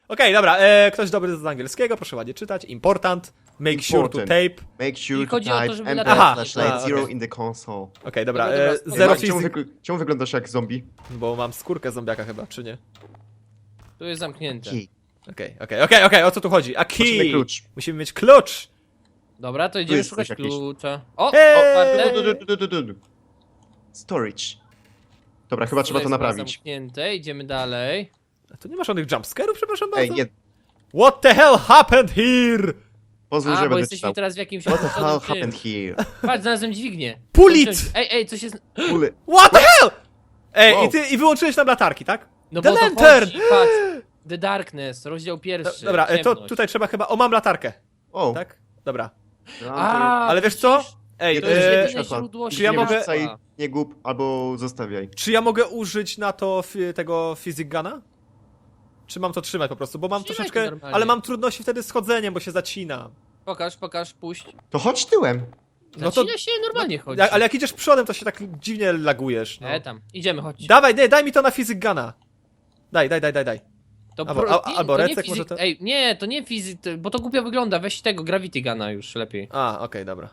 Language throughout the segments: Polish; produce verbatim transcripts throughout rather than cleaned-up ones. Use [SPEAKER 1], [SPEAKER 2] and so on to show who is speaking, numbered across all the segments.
[SPEAKER 1] Okej, dobra, e, ktoś dobry z angielskiego, proszę ładnie czytać. Important, make sure to
[SPEAKER 2] Important.
[SPEAKER 1] tape.
[SPEAKER 2] Make sure
[SPEAKER 3] I
[SPEAKER 2] to
[SPEAKER 3] chodzi o to,
[SPEAKER 2] type
[SPEAKER 3] żeby
[SPEAKER 2] enter
[SPEAKER 1] Aha,
[SPEAKER 2] flashlight
[SPEAKER 1] a,
[SPEAKER 2] zero
[SPEAKER 1] okej.
[SPEAKER 2] in the console.
[SPEAKER 1] Okej, dobra,
[SPEAKER 3] Dobra,
[SPEAKER 1] e,
[SPEAKER 3] dobra, spoko.
[SPEAKER 1] zero
[SPEAKER 2] Ej, czemu,
[SPEAKER 1] fizyk...
[SPEAKER 2] wygl czemu wyglądasz jak zombie?
[SPEAKER 1] Bo mam skórkę zombiaka chyba, czy nie?
[SPEAKER 3] Tu jest zamknięte.
[SPEAKER 2] Key.
[SPEAKER 1] Okej, okej, okej, okej, o co tu chodzi? A
[SPEAKER 2] Potrzebny
[SPEAKER 1] key!
[SPEAKER 2] klucz.
[SPEAKER 1] Musimy mieć klucz!
[SPEAKER 3] Dobra, to idziemy
[SPEAKER 2] jest
[SPEAKER 3] szukać
[SPEAKER 2] coś jakieś.
[SPEAKER 3] klucza. O!
[SPEAKER 1] Hej!
[SPEAKER 3] otwarte.
[SPEAKER 2] Du, du, du, du, du, du. Storage. Dobra, chyba trzeba to
[SPEAKER 3] jest
[SPEAKER 2] naprawić.
[SPEAKER 3] Zamknięte, idziemy dalej.
[SPEAKER 1] A tu nie ma żadnych jumpscarów, przepraszam
[SPEAKER 2] Ej,
[SPEAKER 1] bardzo?
[SPEAKER 2] nie,
[SPEAKER 1] What the hell happened here?
[SPEAKER 2] pozwól,
[SPEAKER 3] A,
[SPEAKER 2] że
[SPEAKER 3] bo
[SPEAKER 2] będę
[SPEAKER 3] jesteśmy
[SPEAKER 2] czytał.
[SPEAKER 3] teraz w jakimś...
[SPEAKER 2] What the hell
[SPEAKER 3] opuszczonym tym.
[SPEAKER 2] happened here?
[SPEAKER 3] Patrz, znalazłem dźwignię.
[SPEAKER 1] Pulit!
[SPEAKER 3] Ej, ej, coś jest...
[SPEAKER 2] Ule.
[SPEAKER 1] What the hell? Ej,
[SPEAKER 2] Wow.
[SPEAKER 1] i ty i wyłączyłeś nam latarki, tak?
[SPEAKER 3] No
[SPEAKER 1] The
[SPEAKER 3] bo to
[SPEAKER 1] lantern!
[SPEAKER 3] chodzi, patrz. The Darkness, rozdział
[SPEAKER 1] Do,
[SPEAKER 3] pierwszy.
[SPEAKER 1] dobra, e, to
[SPEAKER 3] ciemność.
[SPEAKER 1] tutaj trzeba chyba... O, mam latarkę,
[SPEAKER 2] O,
[SPEAKER 1] tak? Dobra.
[SPEAKER 3] A,
[SPEAKER 1] Ale wiesz co? Ej,
[SPEAKER 3] To jest
[SPEAKER 1] e,
[SPEAKER 3] jedyne
[SPEAKER 2] światła.
[SPEAKER 3] źródło
[SPEAKER 1] czy ja
[SPEAKER 3] światła.
[SPEAKER 1] mogę-
[SPEAKER 2] Wrzucaj, nie gub, albo zostawiaj.
[SPEAKER 1] czy ja mogę użyć na to fi tego physic guna? Czy mam to trzymać po prostu? Bo mam
[SPEAKER 3] Trzymaj to
[SPEAKER 1] troszeczkę...
[SPEAKER 3] normalnie.
[SPEAKER 1] Ale mam trudności wtedy z chodzeniem, bo się zacina.
[SPEAKER 3] Pokaż, pokaż, puść.
[SPEAKER 2] To chodź tyłem.
[SPEAKER 1] No to-
[SPEAKER 3] Zacina się normalnie chodzi.
[SPEAKER 1] Ja, ale jak idziesz przodem, to się tak dziwnie lagujesz. No.
[SPEAKER 3] E, tam, idziemy, chodź.
[SPEAKER 1] Dawaj, nie, daj mi to na physic guna. Daj, daj, daj, daj, daj.
[SPEAKER 3] To
[SPEAKER 1] albo-
[SPEAKER 3] pro-
[SPEAKER 1] a-
[SPEAKER 3] nie,
[SPEAKER 1] albo
[SPEAKER 3] to nie
[SPEAKER 1] Recek może
[SPEAKER 3] fizyk-
[SPEAKER 1] to-
[SPEAKER 3] Ej, nie, to nie fizyk, to- bo to głupio wygląda, weź tego Gravity Guna już lepiej.
[SPEAKER 1] A, okej, dobra.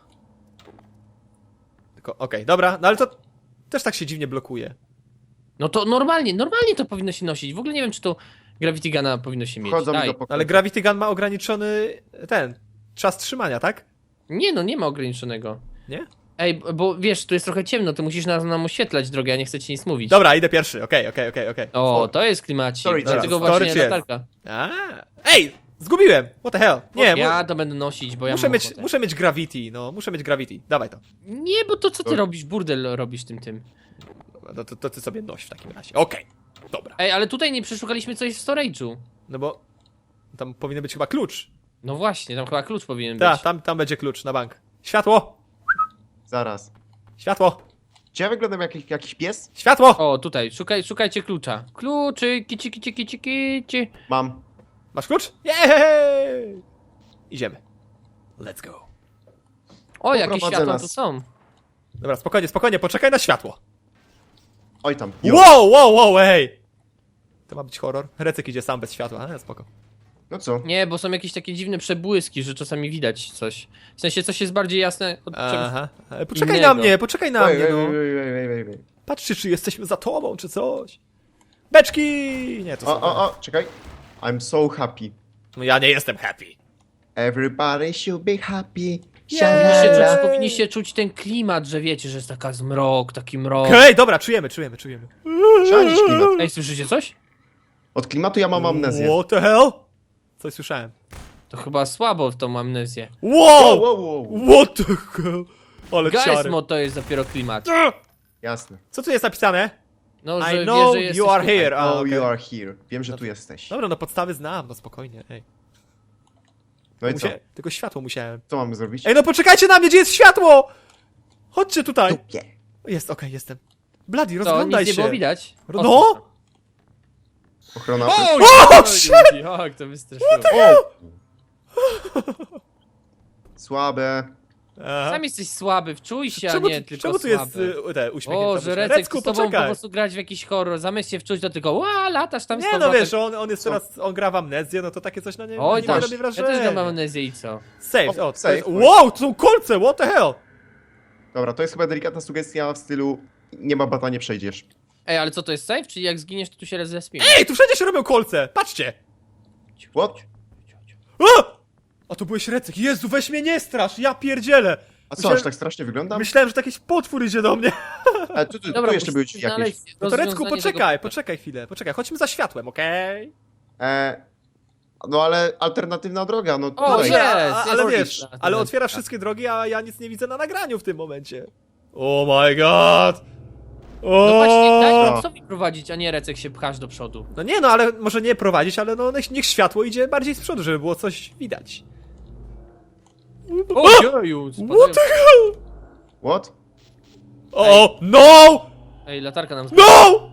[SPEAKER 1] Tylko, okej, dobra, no ale to też tak się dziwnie blokuje.
[SPEAKER 3] No to normalnie, normalnie to powinno się nosić. W ogóle nie wiem, czy to Gravity Guna powinno się mieć.
[SPEAKER 2] Wchodzą mi
[SPEAKER 3] Daj.
[SPEAKER 2] do pokoju.
[SPEAKER 1] Ale Gravity Gun ma ograniczony ten czas trzymania, tak?
[SPEAKER 3] Nie no, nie ma ograniczonego.
[SPEAKER 1] Nie?
[SPEAKER 3] Ej, b- bo wiesz, tu jest trochę ciemno, ty musisz nam, nam oświetlać drogę, ja nie chcę ci nic mówić.
[SPEAKER 1] Dobra, idę pierwszy, okej, okej, okej, okej.
[SPEAKER 3] O, to jest klimacik,
[SPEAKER 2] Storage
[SPEAKER 3] dlatego
[SPEAKER 1] jest.
[SPEAKER 3] właśnie
[SPEAKER 1] Storage
[SPEAKER 3] latarka.
[SPEAKER 1] A, ej, zgubiłem! What the hell? Nie,
[SPEAKER 3] ja
[SPEAKER 1] mu
[SPEAKER 3] to będę nosić, bo ja
[SPEAKER 1] muszę
[SPEAKER 3] mam
[SPEAKER 1] mieć,
[SPEAKER 3] ochotę.
[SPEAKER 1] muszę mieć Gravity, no, muszę mieć Gravity. Dawaj to.
[SPEAKER 3] Nie, bo to co ty
[SPEAKER 2] Dobra.
[SPEAKER 3] robisz? Burdel robisz tym tym.
[SPEAKER 1] Dobra, To, to, to ty sobie noś w takim razie. Okej, dobra.
[SPEAKER 3] Ej, ale tutaj nie przeszukaliśmy coś w storage'u.
[SPEAKER 1] No bo tam powinien być chyba klucz.
[SPEAKER 3] No właśnie, tam chyba klucz powinien
[SPEAKER 1] Tak,
[SPEAKER 3] być.
[SPEAKER 1] tam, tam będzie klucz na bank. Światło!
[SPEAKER 2] Zaraz.
[SPEAKER 1] Światło!
[SPEAKER 2] Czy ja wyglądam jak jakiś- jakiś pies?
[SPEAKER 1] Światło!
[SPEAKER 3] O, tutaj, szukaj, szukajcie klucza. Kluczy, kici, kici, kici, kici.
[SPEAKER 2] Mam.
[SPEAKER 1] Masz klucz? Jej! Idziemy. Let's go.
[SPEAKER 3] O, jakie
[SPEAKER 2] Poprowadzę
[SPEAKER 3] światła
[SPEAKER 2] nas.
[SPEAKER 3] tu są.
[SPEAKER 1] Dobra, spokojnie, spokojnie, poczekaj na światło.
[SPEAKER 2] Oj tam. Jo.
[SPEAKER 1] Wow, wow, wow, ej! To ma być horror. Recek idzie sam bez światła, ale spoko.
[SPEAKER 2] No co?
[SPEAKER 3] Nie, bo są jakieś takie dziwne przebłyski, że czasami widać coś. W sensie coś jest bardziej jasne od czegoś.
[SPEAKER 1] Aha. E, Poczekaj
[SPEAKER 3] innego.
[SPEAKER 1] na mnie, poczekaj na
[SPEAKER 2] Oj,
[SPEAKER 1] mnie,
[SPEAKER 2] oj,
[SPEAKER 1] no.
[SPEAKER 2] oj, oj, oj, oj, oj.
[SPEAKER 1] Patrzcie, czy jesteśmy za tobą, czy coś. Beczki! Nie, to
[SPEAKER 2] O,
[SPEAKER 1] są...
[SPEAKER 2] o, o, czekaj. I'm so happy.
[SPEAKER 1] No ja nie jestem happy.
[SPEAKER 2] Everybody should be happy.
[SPEAKER 3] Powinniście
[SPEAKER 2] Sha-la-la.
[SPEAKER 3] czuć, powinniście czuć ten klimat, że wiecie, że jest taka zmrok, taki mrok.
[SPEAKER 1] Okej, dobra, czujemy, czujemy, czujemy.
[SPEAKER 2] Szanić klimat.
[SPEAKER 3] Ej, słyszycie coś?
[SPEAKER 2] Od klimatu ja mam amnezję.
[SPEAKER 1] What the hell? Coś słyszałem.
[SPEAKER 3] To chyba słabo w tą amnezję.
[SPEAKER 1] Wow!
[SPEAKER 2] Wow, wow, wow.
[SPEAKER 1] What the hell? Ale
[SPEAKER 3] Guys
[SPEAKER 1] ciary.
[SPEAKER 3] mod to jest dopiero klimat.
[SPEAKER 2] Jasne.
[SPEAKER 1] Co tu jest napisane?
[SPEAKER 3] No,
[SPEAKER 1] I
[SPEAKER 3] że wie,
[SPEAKER 1] know
[SPEAKER 3] że jesteś
[SPEAKER 1] you are
[SPEAKER 3] tutaj.
[SPEAKER 1] here. A,
[SPEAKER 2] Oh,
[SPEAKER 1] okej.
[SPEAKER 2] you are here. Wiem, że tu jesteś.
[SPEAKER 1] Dobra, no podstawy znam, no spokojnie, ej.
[SPEAKER 2] No i co?
[SPEAKER 1] Musia... Tylko światło musiałem.
[SPEAKER 2] Co mamy zrobić?
[SPEAKER 1] Ej, no poczekajcie na mnie, gdzie jest światło! Chodźcie tutaj.
[SPEAKER 2] Dupie.
[SPEAKER 1] Jest, okej, jestem. Bloody,
[SPEAKER 3] To
[SPEAKER 1] rozglądaj
[SPEAKER 3] nic nie
[SPEAKER 1] się.
[SPEAKER 3] było widać. O,
[SPEAKER 1] No!
[SPEAKER 2] Ochrona.
[SPEAKER 3] O,
[SPEAKER 1] O,
[SPEAKER 3] o,
[SPEAKER 1] shit!
[SPEAKER 3] Jak to wystraszyło.
[SPEAKER 2] O! Słabe.
[SPEAKER 1] Aha.
[SPEAKER 3] Sam jesteś słaby, wczuj się,
[SPEAKER 1] Czemu,
[SPEAKER 3] a nie
[SPEAKER 1] tu-
[SPEAKER 3] tylko
[SPEAKER 1] czemu tu
[SPEAKER 3] słaby.
[SPEAKER 1] jest y, te, uśmiech?
[SPEAKER 3] O, że Recek
[SPEAKER 1] Recku,
[SPEAKER 3] z tobą po
[SPEAKER 1] poczekaj.
[SPEAKER 3] prostu grać w jakiś horror, zamiast się wczuć, to tylko ła, latasz tam z
[SPEAKER 1] Nie no
[SPEAKER 3] powrotem.
[SPEAKER 1] wiesz, on, on jest
[SPEAKER 2] Co?
[SPEAKER 1] teraz, on gra w amnezję, no to takie coś na nie,
[SPEAKER 3] Oj
[SPEAKER 1] nie
[SPEAKER 3] tam,
[SPEAKER 1] robi
[SPEAKER 3] ja
[SPEAKER 1] wrażenia.
[SPEAKER 3] też mam amnezję i co?
[SPEAKER 1] Save,
[SPEAKER 2] O,
[SPEAKER 1] o, to
[SPEAKER 2] save.
[SPEAKER 1] jest, wow, to są kolce, what the hell?
[SPEAKER 2] Dobra, to jest chyba delikatna sugestia w stylu nie ma bata, nie przejdziesz.
[SPEAKER 3] Ej, ale co to jest save? Czyli jak zginiesz, to tu się raz zespimy?
[SPEAKER 1] Ej, tu wszędzie się robią kolce, patrzcie!
[SPEAKER 2] What?
[SPEAKER 1] A! A to byłeś Recek, Jezu, weź mnie nie strasz, ja pierdzielę!
[SPEAKER 2] A co,
[SPEAKER 1] Myślałem-
[SPEAKER 2] aż tak strasznie wyglądam?
[SPEAKER 1] Myślałem, że to jakiś potwór idzie do mnie.
[SPEAKER 2] A, tu, tu,
[SPEAKER 3] Dobra,
[SPEAKER 2] tu jeszcze były
[SPEAKER 3] musisz
[SPEAKER 2] drzwi jakieś.
[SPEAKER 3] znaleźć
[SPEAKER 1] No to Recku,
[SPEAKER 3] rozwiązanie
[SPEAKER 1] poczekaj,
[SPEAKER 3] tego-
[SPEAKER 1] poczekaj chwilę, poczekaj, chodźmy za światłem, okej?
[SPEAKER 2] E, no ale alternatywna droga, no
[SPEAKER 3] O,
[SPEAKER 2] tutaj.
[SPEAKER 3] jest,
[SPEAKER 1] a, ale
[SPEAKER 3] jest
[SPEAKER 1] wiesz,
[SPEAKER 3] storage.
[SPEAKER 1] ale otwiera wszystkie drogi, a ja nic nie widzę na nagraniu w tym momencie. Oh my god! O!
[SPEAKER 3] No właśnie, daj nam sobie prowadzić, a nie Recek się pchasz do przodu.
[SPEAKER 1] No nie no, ale może nie prowadzić, ale no niech, niech światło idzie bardziej z przodu, żeby było coś widać.
[SPEAKER 3] O, jeju, spadają.
[SPEAKER 1] What the hell?
[SPEAKER 2] What?
[SPEAKER 1] O, no!
[SPEAKER 3] Ej, latarka nam spadła.
[SPEAKER 1] No!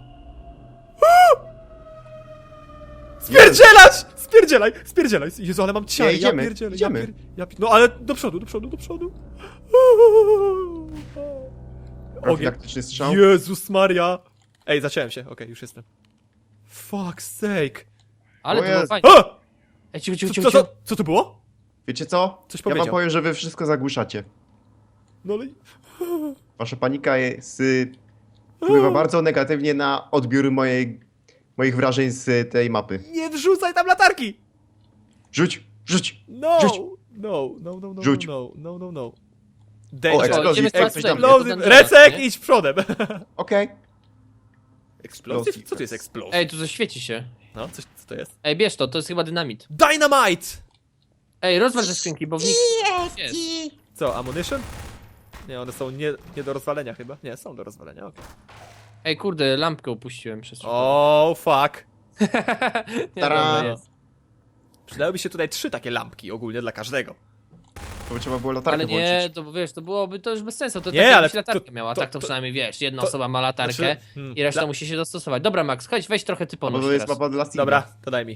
[SPEAKER 1] Spierdzielać! Spierdzielaj, spierdzielaj. Jezu, ale mam ciary,
[SPEAKER 2] Nie, idziemy,
[SPEAKER 1] ja pierdzielę,
[SPEAKER 2] idziemy.
[SPEAKER 1] Ja pier... ja pier... No ale do przodu, do przodu, do przodu. Ogień.
[SPEAKER 2] Profilaktyczny strzał.
[SPEAKER 1] Jezus Maria. Ej, zacząłem się, okej, już jestem. Fuck's sake.
[SPEAKER 3] Ale
[SPEAKER 2] O
[SPEAKER 3] to było
[SPEAKER 2] Jezu.
[SPEAKER 3] fajnie.
[SPEAKER 1] O!
[SPEAKER 3] Ej, cicho, cicho,
[SPEAKER 1] Co,
[SPEAKER 3] cicho,
[SPEAKER 1] co,
[SPEAKER 3] cicho.
[SPEAKER 1] co, co to było?
[SPEAKER 2] Wiecie co?
[SPEAKER 1] Coś
[SPEAKER 2] Ja
[SPEAKER 1] powiedział.
[SPEAKER 2] wam powiem, że wy wszystko zagłuszacie.
[SPEAKER 1] No ale...
[SPEAKER 2] Wasza panika jest, y, wpływa bardzo negatywnie na odbiór mojej, moich wrażeń z tej mapy.
[SPEAKER 1] Nie wrzucaj tam latarki!
[SPEAKER 2] Rzuć, rzuć!
[SPEAKER 1] No!
[SPEAKER 2] Rzuć.
[SPEAKER 1] No, no, no, no,
[SPEAKER 2] Rzuć.
[SPEAKER 1] no, no, no, no.
[SPEAKER 2] O,
[SPEAKER 1] Danger.
[SPEAKER 2] eksplozji,
[SPEAKER 3] idziemy
[SPEAKER 2] ej,
[SPEAKER 3] sprawdzić
[SPEAKER 2] coś tam
[SPEAKER 3] tutaj.
[SPEAKER 2] jest.
[SPEAKER 1] Explosive.
[SPEAKER 3] to dungeona,
[SPEAKER 1] Recek,
[SPEAKER 3] nie?
[SPEAKER 1] idź przodem.
[SPEAKER 2] Okej.
[SPEAKER 1] Explosive? Co to jest explosive?
[SPEAKER 3] Ej, tu coś świeci się.
[SPEAKER 1] No, coś, co to jest?
[SPEAKER 3] Ej, bierz to, to jest chyba dynamit.
[SPEAKER 1] Dynamite!
[SPEAKER 3] Ej, rozwal te skrzynki, bo w nich jest.
[SPEAKER 1] Co, ammunition? Nie, one są nie, nie do rozwalenia chyba. Nie, są do rozwalenia, okej.
[SPEAKER 3] Ej, kurde, lampkę upuściłem przez przypadek.
[SPEAKER 1] O, fuck.
[SPEAKER 3] Nie,
[SPEAKER 2] Tara.
[SPEAKER 3] dobra, jest.
[SPEAKER 1] Przydałyby się tutaj trzy takie lampki ogólnie dla każdego.
[SPEAKER 2] To by trzeba było latarkę
[SPEAKER 3] Ale nie,
[SPEAKER 2] włączyć.
[SPEAKER 3] to wiesz, to byłoby to już bez sensu. To
[SPEAKER 1] Nie,
[SPEAKER 3] tak
[SPEAKER 1] ale
[SPEAKER 3] jakbyś
[SPEAKER 1] to-
[SPEAKER 3] latarkę miała,
[SPEAKER 1] to-
[SPEAKER 3] tak to
[SPEAKER 1] to-
[SPEAKER 3] przynajmniej wiesz, jedna
[SPEAKER 1] to-
[SPEAKER 3] osoba ma latarkę
[SPEAKER 1] Znaczy, hmm,
[SPEAKER 3] i reszta
[SPEAKER 1] dla-
[SPEAKER 3] musi się dostosować. Dobra, Max, chodź, weź trochę
[SPEAKER 2] Bo
[SPEAKER 3] typonusz
[SPEAKER 2] to jest
[SPEAKER 3] teraz.
[SPEAKER 2] mapa dla Steama.
[SPEAKER 1] Dobra, to daj mi.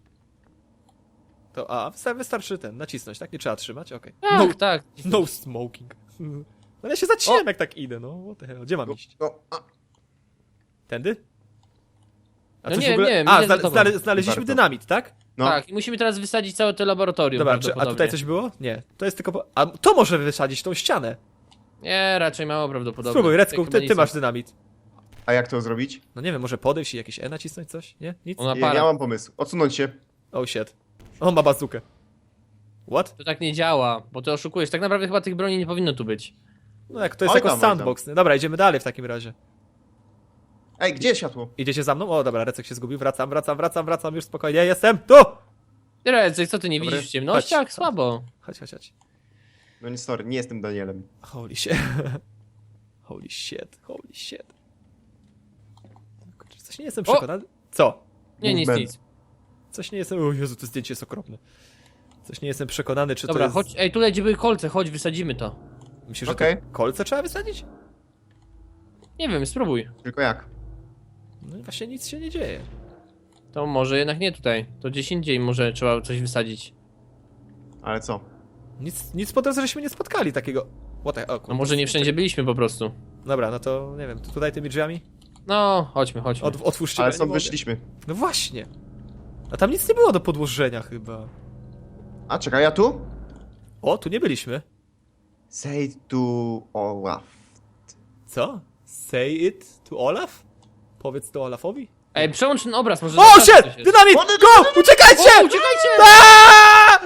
[SPEAKER 1] To, a, wysta- wystarczy ten, nacisnąć, tak? Nie trzeba trzymać? Okej.
[SPEAKER 3] Tak,
[SPEAKER 1] No,
[SPEAKER 3] tak.
[SPEAKER 1] no smoking. No ja się zacinam jak tak idę, no. What the hell, gdzie mam iść?
[SPEAKER 2] No, a,
[SPEAKER 1] Tędy? A
[SPEAKER 3] No
[SPEAKER 1] coś
[SPEAKER 3] nie
[SPEAKER 1] w ogóle...
[SPEAKER 3] wiem, nie wiem,
[SPEAKER 1] A,
[SPEAKER 3] idę za
[SPEAKER 1] zna-
[SPEAKER 3] tobą.
[SPEAKER 1] znale- znaleźliśmy
[SPEAKER 2] Warto.
[SPEAKER 1] dynamit, tak?
[SPEAKER 2] no.
[SPEAKER 3] Tak, i musimy teraz wysadzić całe to laboratorium.
[SPEAKER 1] Dobra, czy, a
[SPEAKER 3] prawdopodobnie.
[SPEAKER 1] tutaj coś było? Nie, to jest tylko... Po... A to może wysadzić tą ścianę.
[SPEAKER 3] Nie, raczej mało prawdopodobne.
[SPEAKER 1] Spróbuj,
[SPEAKER 3] Tak
[SPEAKER 1] Recku,
[SPEAKER 3] chyba
[SPEAKER 1] ty,
[SPEAKER 3] nic
[SPEAKER 1] ty
[SPEAKER 3] nie-
[SPEAKER 1] masz dynamit.
[SPEAKER 2] A jak to zrobić?
[SPEAKER 1] No nie wiem, może podejść i jakieś E nacisnąć coś? Nie? Nic?
[SPEAKER 3] On ma
[SPEAKER 2] Ja,
[SPEAKER 3] parę.
[SPEAKER 2] ja mam pomysł. Odsunąć się.
[SPEAKER 1] Oh shit. On ma bazukę. What?
[SPEAKER 3] To tak nie działa, bo ty oszukujesz. Tak naprawdę chyba tych broni nie powinno tu być.
[SPEAKER 1] No jak to jest
[SPEAKER 2] Oj
[SPEAKER 1] jako
[SPEAKER 2] tam, oj tam.
[SPEAKER 1] sandbox. nie? Dobra, idziemy dalej w takim razie.
[SPEAKER 2] Ej, gdzie jest światło?
[SPEAKER 1] Idziecie za mną? O, dobra, Recek się zgubił. Wracam, wracam, wracam, wracam. Już spokojnie, jestem tu!
[SPEAKER 3] Ty, Recek, co ty nie
[SPEAKER 2] Dobry.
[SPEAKER 3] widzisz w ciemnościach?
[SPEAKER 1] Chodź.
[SPEAKER 3] Słabo.
[SPEAKER 1] Chodź, chodź, chodź.
[SPEAKER 2] No nie, sorry, nie jestem Danielem.
[SPEAKER 1] Holy shit. Holy shit, holy shit. Kurczę, coś nie jestem
[SPEAKER 3] O!
[SPEAKER 1] przekonany. Co?
[SPEAKER 3] Nie, nic,
[SPEAKER 2] Movement.
[SPEAKER 3] nic.
[SPEAKER 1] Coś nie jestem... O Jezu, to zdjęcie jest okropne. Coś nie jestem przekonany, czy
[SPEAKER 3] Dobra,
[SPEAKER 1] to jest...
[SPEAKER 3] chodź. Ej, tutaj gdzie były kolce, chodź, wysadzimy to.
[SPEAKER 1] Myślisz, że
[SPEAKER 2] Okej.
[SPEAKER 1] to kolce trzeba wysadzić?
[SPEAKER 3] Nie wiem, spróbuj.
[SPEAKER 2] Tylko jak?
[SPEAKER 1] No i właśnie nic się nie dzieje.
[SPEAKER 3] To może jednak nie tutaj. To gdzieś indziej może trzeba coś wysadzić.
[SPEAKER 2] Ale co?
[SPEAKER 1] Nic, nic po drodze żeśmy nie spotkali takiego... What the... O,
[SPEAKER 3] No
[SPEAKER 1] kurde.
[SPEAKER 3] może nie wszędzie byliśmy po prostu.
[SPEAKER 1] Dobra, no to nie wiem, to tutaj tymi drzwiami?
[SPEAKER 3] No, chodźmy, chodźmy.
[SPEAKER 1] Od, otwórzcie,
[SPEAKER 2] Ale
[SPEAKER 1] bo ja nie
[SPEAKER 2] stąd
[SPEAKER 1] mogę.
[SPEAKER 2] wyszliśmy.
[SPEAKER 1] No właśnie. A tam nic nie było do podłożenia chyba.
[SPEAKER 2] A, czekaj, ja tu?
[SPEAKER 1] O, tu nie byliśmy.
[SPEAKER 2] Say to Olaf.
[SPEAKER 1] Co? Say it to Olaf? Powiedz to Olafowi?
[SPEAKER 3] Ej, przełącz ten obraz, może...
[SPEAKER 1] O,
[SPEAKER 3] zobaczysz,
[SPEAKER 1] shit!
[SPEAKER 3] coś jest.
[SPEAKER 1] Dynamit!
[SPEAKER 2] O, dy-
[SPEAKER 1] Go! Uciekajcie!
[SPEAKER 3] O, uciekajcie!
[SPEAKER 1] Aaaa!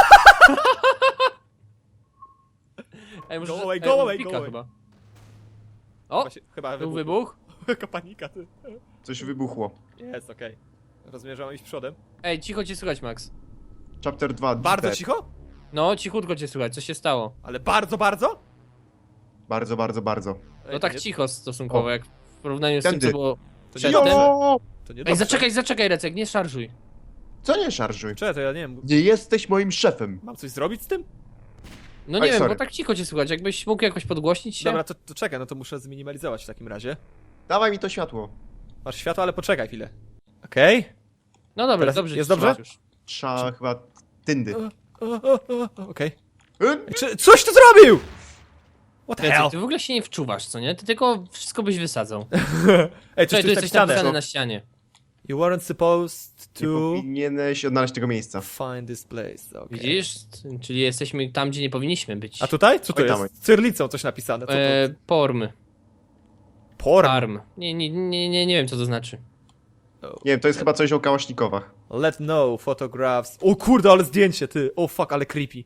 [SPEAKER 3] Ej, może...
[SPEAKER 1] Go away,
[SPEAKER 3] ej,
[SPEAKER 1] go away,
[SPEAKER 3] pika
[SPEAKER 1] go away.
[SPEAKER 3] chyba. O,
[SPEAKER 1] Właśnie, chyba
[SPEAKER 3] był
[SPEAKER 1] wybuch.
[SPEAKER 3] wybuch.
[SPEAKER 1] Jaka panika, ty.
[SPEAKER 2] Coś wybuchło.
[SPEAKER 1] Jest, okej. Rozumiem, że mam iść przodem.
[SPEAKER 3] Ej, cicho cię słychać, Max.
[SPEAKER 2] Chapter dwa.
[SPEAKER 1] Bardzo
[SPEAKER 2] dead.
[SPEAKER 1] cicho?
[SPEAKER 3] No, cichutko cię słychać, co się stało?
[SPEAKER 1] Ale bardzo, bardzo?
[SPEAKER 2] Bardzo, bardzo, bardzo.
[SPEAKER 1] Ej,
[SPEAKER 3] No
[SPEAKER 1] to
[SPEAKER 3] tak
[SPEAKER 1] nie-
[SPEAKER 3] cicho stosunkowo,
[SPEAKER 2] O.
[SPEAKER 3] jak w porównaniu z tym,
[SPEAKER 2] Tędy.
[SPEAKER 3] co było
[SPEAKER 1] To nie
[SPEAKER 3] przedtem.
[SPEAKER 1] dobrze.
[SPEAKER 2] Jo!
[SPEAKER 1] To nie
[SPEAKER 3] Ej,
[SPEAKER 1] dobrze.
[SPEAKER 3] zaczekaj, zaczekaj, Recek, nie szarżuj.
[SPEAKER 2] Co nie szarżuj?
[SPEAKER 1] Czekaj, to ja nie wiem.
[SPEAKER 2] Nie jesteś moim szefem.
[SPEAKER 1] Mam coś zrobić z tym?
[SPEAKER 3] No nie
[SPEAKER 2] Oj,
[SPEAKER 3] wiem,
[SPEAKER 2] sorry.
[SPEAKER 3] bo tak cicho cię słychać, jakbyś mógł jakoś podgłośnić się?
[SPEAKER 1] Dobra, to, to czekaj, no to muszę zminimalizować w takim razie.
[SPEAKER 2] Dawaj mi to światło.
[SPEAKER 1] Masz światło, ale poczekaj chwilę. Okej.
[SPEAKER 3] No dobra,
[SPEAKER 1] Teraz
[SPEAKER 3] dobrze.
[SPEAKER 1] jest
[SPEAKER 3] ci
[SPEAKER 1] dobrze?
[SPEAKER 3] słychać już.
[SPEAKER 2] Trzeba chyba tyndy.
[SPEAKER 1] O, o, o, o, Okej.
[SPEAKER 2] Y?
[SPEAKER 1] Czy coś tu zrobił? What the hell?
[SPEAKER 3] Recek, ty w ogóle się nie wczuwasz, co nie? Ty tylko wszystko byś wysadzał.
[SPEAKER 1] Ej, coś
[SPEAKER 3] Czekaj,
[SPEAKER 1] tu
[SPEAKER 3] tu
[SPEAKER 1] jest
[SPEAKER 3] jesteś
[SPEAKER 1] napisane.
[SPEAKER 3] napisany na ścianie.
[SPEAKER 1] You weren't supposed
[SPEAKER 2] Nie
[SPEAKER 1] to
[SPEAKER 2] powinieneś odnaleźć tego miejsca.
[SPEAKER 1] find this place. Okay.
[SPEAKER 3] Widzisz? Czyli jesteśmy tam, gdzie nie powinniśmy być.
[SPEAKER 1] A tutaj? Co to
[SPEAKER 2] Oj, tam,
[SPEAKER 1] jest? Cyrlicą coś napisane. Co to?
[SPEAKER 3] E, porm.
[SPEAKER 1] Porn.
[SPEAKER 3] Arm. Nie, nie, nie, nie, nie wiem, co to znaczy.
[SPEAKER 2] Nie wiem, to jest chyba coś o kałasznikowach.
[SPEAKER 1] Let know, photographs. O kurde, ale zdjęcie, ty. O fuck, ale creepy.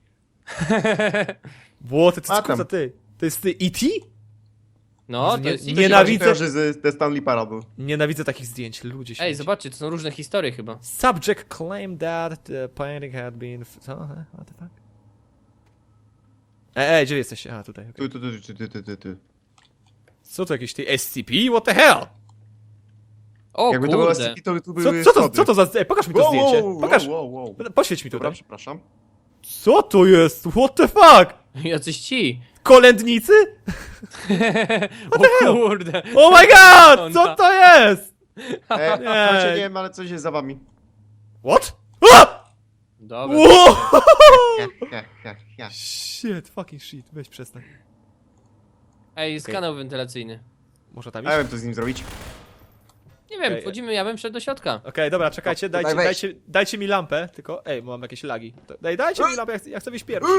[SPEAKER 1] Ło, ty, ty,
[SPEAKER 2] A
[SPEAKER 1] ty,
[SPEAKER 2] tam.
[SPEAKER 1] ty. To jest ty E T?
[SPEAKER 3] No, to
[SPEAKER 1] Nie-
[SPEAKER 3] jest...
[SPEAKER 1] nie
[SPEAKER 2] To się
[SPEAKER 1] Nienawidzę-
[SPEAKER 2] bardziej kojarzy z The Stanley Parable.
[SPEAKER 1] Nienawidzę takich zdjęć, ludzie się.
[SPEAKER 3] Ej, zobaczcie, to są różne historie chyba.
[SPEAKER 1] Subject claimed that the painting had been... f- Co? E, What the fuck? Ej, ej, gdzie jesteście? A, tutaj, okej.
[SPEAKER 2] Tu, tu, tu, tu, tu, tu, tu, tu.
[SPEAKER 1] Co to jakieś ty S C P? What the hell?
[SPEAKER 3] O
[SPEAKER 2] Jakby to było
[SPEAKER 3] kurde.
[SPEAKER 2] S C P, to tu
[SPEAKER 1] Co,
[SPEAKER 2] były
[SPEAKER 1] co, to,
[SPEAKER 2] schody.
[SPEAKER 1] co to za... Ej, pokaż mi to
[SPEAKER 2] Wow,
[SPEAKER 1] zdjęcie.
[SPEAKER 2] wow,
[SPEAKER 1] Pokaż.
[SPEAKER 2] wow, wow, wow.
[SPEAKER 1] Poświeć mi
[SPEAKER 2] Dobra,
[SPEAKER 1] tutaj.
[SPEAKER 2] przepraszam.
[SPEAKER 1] Co to jest? What the fuck?
[SPEAKER 3] Jacyś ci.
[SPEAKER 1] Kolędnicy?
[SPEAKER 3] O kurde.
[SPEAKER 1] Oh my god! Co to jest?
[SPEAKER 2] E,
[SPEAKER 1] Nie.
[SPEAKER 2] znaczy, nie wiem, ale coś jest za wami.
[SPEAKER 1] What? A!
[SPEAKER 3] Dobra.
[SPEAKER 1] Wow!
[SPEAKER 2] Ja, ja, ja, ja.
[SPEAKER 1] Shit, fucking shit, weź przestań.
[SPEAKER 3] Ej, jest
[SPEAKER 1] Okej.
[SPEAKER 3] kanał wentylacyjny.
[SPEAKER 1] Może tam
[SPEAKER 2] A ja
[SPEAKER 1] iść?
[SPEAKER 2] wiem, co z nim zrobić.
[SPEAKER 3] Nie Nie wiem,
[SPEAKER 1] Okej.
[SPEAKER 3] wchodzimy, ja bym wszedł do środka.
[SPEAKER 1] Okej, dobra, czekajcie,
[SPEAKER 2] No,
[SPEAKER 1] dajcie,
[SPEAKER 2] tutaj wejdź.
[SPEAKER 1] dajcie, dajcie mi lampę, tylko, ej, bo mam jakieś lagi. To- Daj, dajcie mi lampę, ja chcę, ja chcę wyjść pierwszy.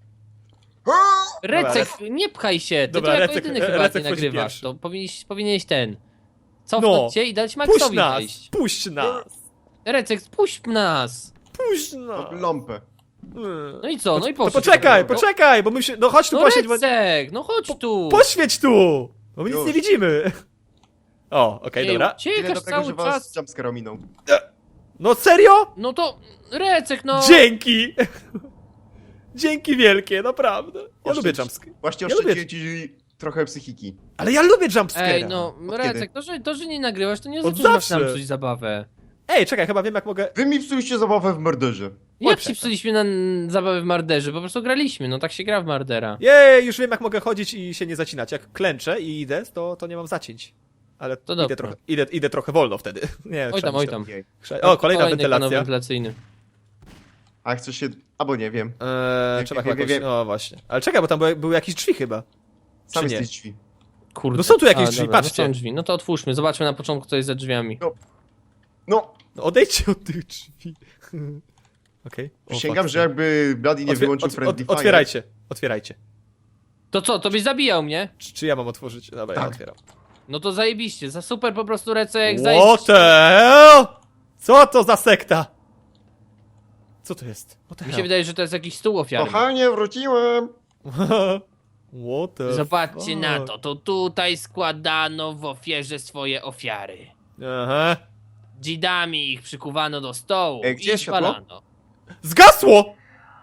[SPEAKER 3] Recek, nie pchaj się, ty
[SPEAKER 1] Dobra,
[SPEAKER 3] to jako
[SPEAKER 1] Recek-
[SPEAKER 3] jedyny chyba
[SPEAKER 1] Recek
[SPEAKER 3] nie
[SPEAKER 1] wchodzi
[SPEAKER 3] nagrywasz,
[SPEAKER 1] pierwszy.
[SPEAKER 3] to powinieneś, powinieneś ten... Cofnąć
[SPEAKER 1] No.
[SPEAKER 3] cię i dać
[SPEAKER 1] Puść
[SPEAKER 3] Maxowi
[SPEAKER 1] nas,
[SPEAKER 3] wejść.
[SPEAKER 1] puść nas,
[SPEAKER 3] Recek, puść nas!
[SPEAKER 1] puść nas.
[SPEAKER 2] Lampę.
[SPEAKER 1] Mm.
[SPEAKER 3] No i co, no i
[SPEAKER 1] To
[SPEAKER 3] poszedł.
[SPEAKER 1] poczekaj,
[SPEAKER 3] No.
[SPEAKER 1] poczekaj, bo my się, no chodź tu
[SPEAKER 3] No
[SPEAKER 1] posiedź, bo...
[SPEAKER 3] Recek, no chodź tu!
[SPEAKER 1] Poświeć tu! Bo my nic
[SPEAKER 2] Już.
[SPEAKER 1] nie widzimy. O, okej,
[SPEAKER 3] Ej,
[SPEAKER 1] dobra.
[SPEAKER 2] Tyle
[SPEAKER 3] Uciekasz
[SPEAKER 2] do tego,
[SPEAKER 3] cały
[SPEAKER 2] że was
[SPEAKER 3] czas.
[SPEAKER 2] jumpscare ominął.
[SPEAKER 1] No serio?
[SPEAKER 3] No to... Recek, no!
[SPEAKER 1] Dzięki! Dzięki wielkie, naprawdę. Ja
[SPEAKER 2] Oszczędź.
[SPEAKER 1] lubię jumpscare.
[SPEAKER 2] Właśnie
[SPEAKER 1] Ja lubię-
[SPEAKER 2] oszczędziłem ci trochę psychiki.
[SPEAKER 1] Ale ja lubię jumpscare'a.
[SPEAKER 3] Ej, no,
[SPEAKER 2] Od
[SPEAKER 3] Recek,
[SPEAKER 2] kiedy?
[SPEAKER 3] to że, to, że nie nagrywasz, to nie
[SPEAKER 1] Od
[SPEAKER 3] oznacza, że masz nam
[SPEAKER 1] zawsze.
[SPEAKER 3] psuć zabawę.
[SPEAKER 1] Ej, czekaj, chyba wiem jak mogę...
[SPEAKER 2] Wy mi psuliście zabawę w morderze.
[SPEAKER 3] Jak
[SPEAKER 1] przestań.
[SPEAKER 3] ci psuliśmy na n- zabawę w Marderze? Po prostu graliśmy, no tak się gra w Mardera.
[SPEAKER 1] Jej, już wiem jak mogę chodzić i się nie zacinać. Jak klęczę i idę, to, to nie mam zacięć. Ale
[SPEAKER 3] To
[SPEAKER 1] idę
[SPEAKER 3] dobra.
[SPEAKER 1] trochę, idę, idę trochę wolno wtedy. Nie,
[SPEAKER 3] Oj
[SPEAKER 1] trzeba
[SPEAKER 3] tam, oj
[SPEAKER 1] myśleć.
[SPEAKER 3] tam.
[SPEAKER 2] Okej.
[SPEAKER 1] Krze- O, kolejna
[SPEAKER 3] Kolejny kanał
[SPEAKER 1] wentylacja.
[SPEAKER 3] wentylacyjny.
[SPEAKER 2] A chcesz się... Albo nie wiem.
[SPEAKER 1] Eee,
[SPEAKER 2] Wiem,
[SPEAKER 1] trzeba
[SPEAKER 2] wiem,
[SPEAKER 1] chyba
[SPEAKER 2] wiem,
[SPEAKER 1] jakoś...
[SPEAKER 2] wiem.
[SPEAKER 1] O, właśnie. Ale czekaj, bo tam były, były jakieś drzwi chyba.
[SPEAKER 2] Sam
[SPEAKER 1] Czy nie?
[SPEAKER 2] jesteś drzwi.
[SPEAKER 3] Kurde.
[SPEAKER 1] No są tu jakieś
[SPEAKER 3] A,
[SPEAKER 1] drzwi,
[SPEAKER 3] dobra,
[SPEAKER 1] patrzcie.
[SPEAKER 3] No są drzwi, no to otwórzmy, zobaczmy na początku co jest za drzwiami.
[SPEAKER 2] No,
[SPEAKER 1] No odejdźcie od tych drzwi. Okej. O,
[SPEAKER 2] przysięgam,
[SPEAKER 1] fuck.
[SPEAKER 2] że jakby Bloody nie
[SPEAKER 1] Otwie-
[SPEAKER 2] wyłączył
[SPEAKER 1] ot-
[SPEAKER 2] Friendly
[SPEAKER 1] ot-
[SPEAKER 2] Fire.
[SPEAKER 1] Otwierajcie, otwierajcie.
[SPEAKER 3] To co, to byś zabijał mnie?
[SPEAKER 1] Czy, czy ja mam otworzyć? Dobra, ja
[SPEAKER 2] Tak.
[SPEAKER 1] otwieram.
[SPEAKER 3] No to zajebiście, za super po prostu Recek,
[SPEAKER 1] What
[SPEAKER 3] zajebiście.
[SPEAKER 1] the hell? Co to za sekta? Co to jest? What the
[SPEAKER 3] Mi się
[SPEAKER 1] hell?
[SPEAKER 3] wydaje, że to jest jakiś stół ofiarny.
[SPEAKER 2] Kochanie, wróciłem!
[SPEAKER 1] What the
[SPEAKER 3] Zobaczcie
[SPEAKER 1] fuck?
[SPEAKER 3] na to, to tutaj składano w ofierze swoje ofiary.
[SPEAKER 1] Aha.
[SPEAKER 3] Dzidami ich przykuwano do stołu
[SPEAKER 2] Ej, gdzie
[SPEAKER 3] i
[SPEAKER 2] jest światło?
[SPEAKER 3] spalano.
[SPEAKER 1] Zgasło!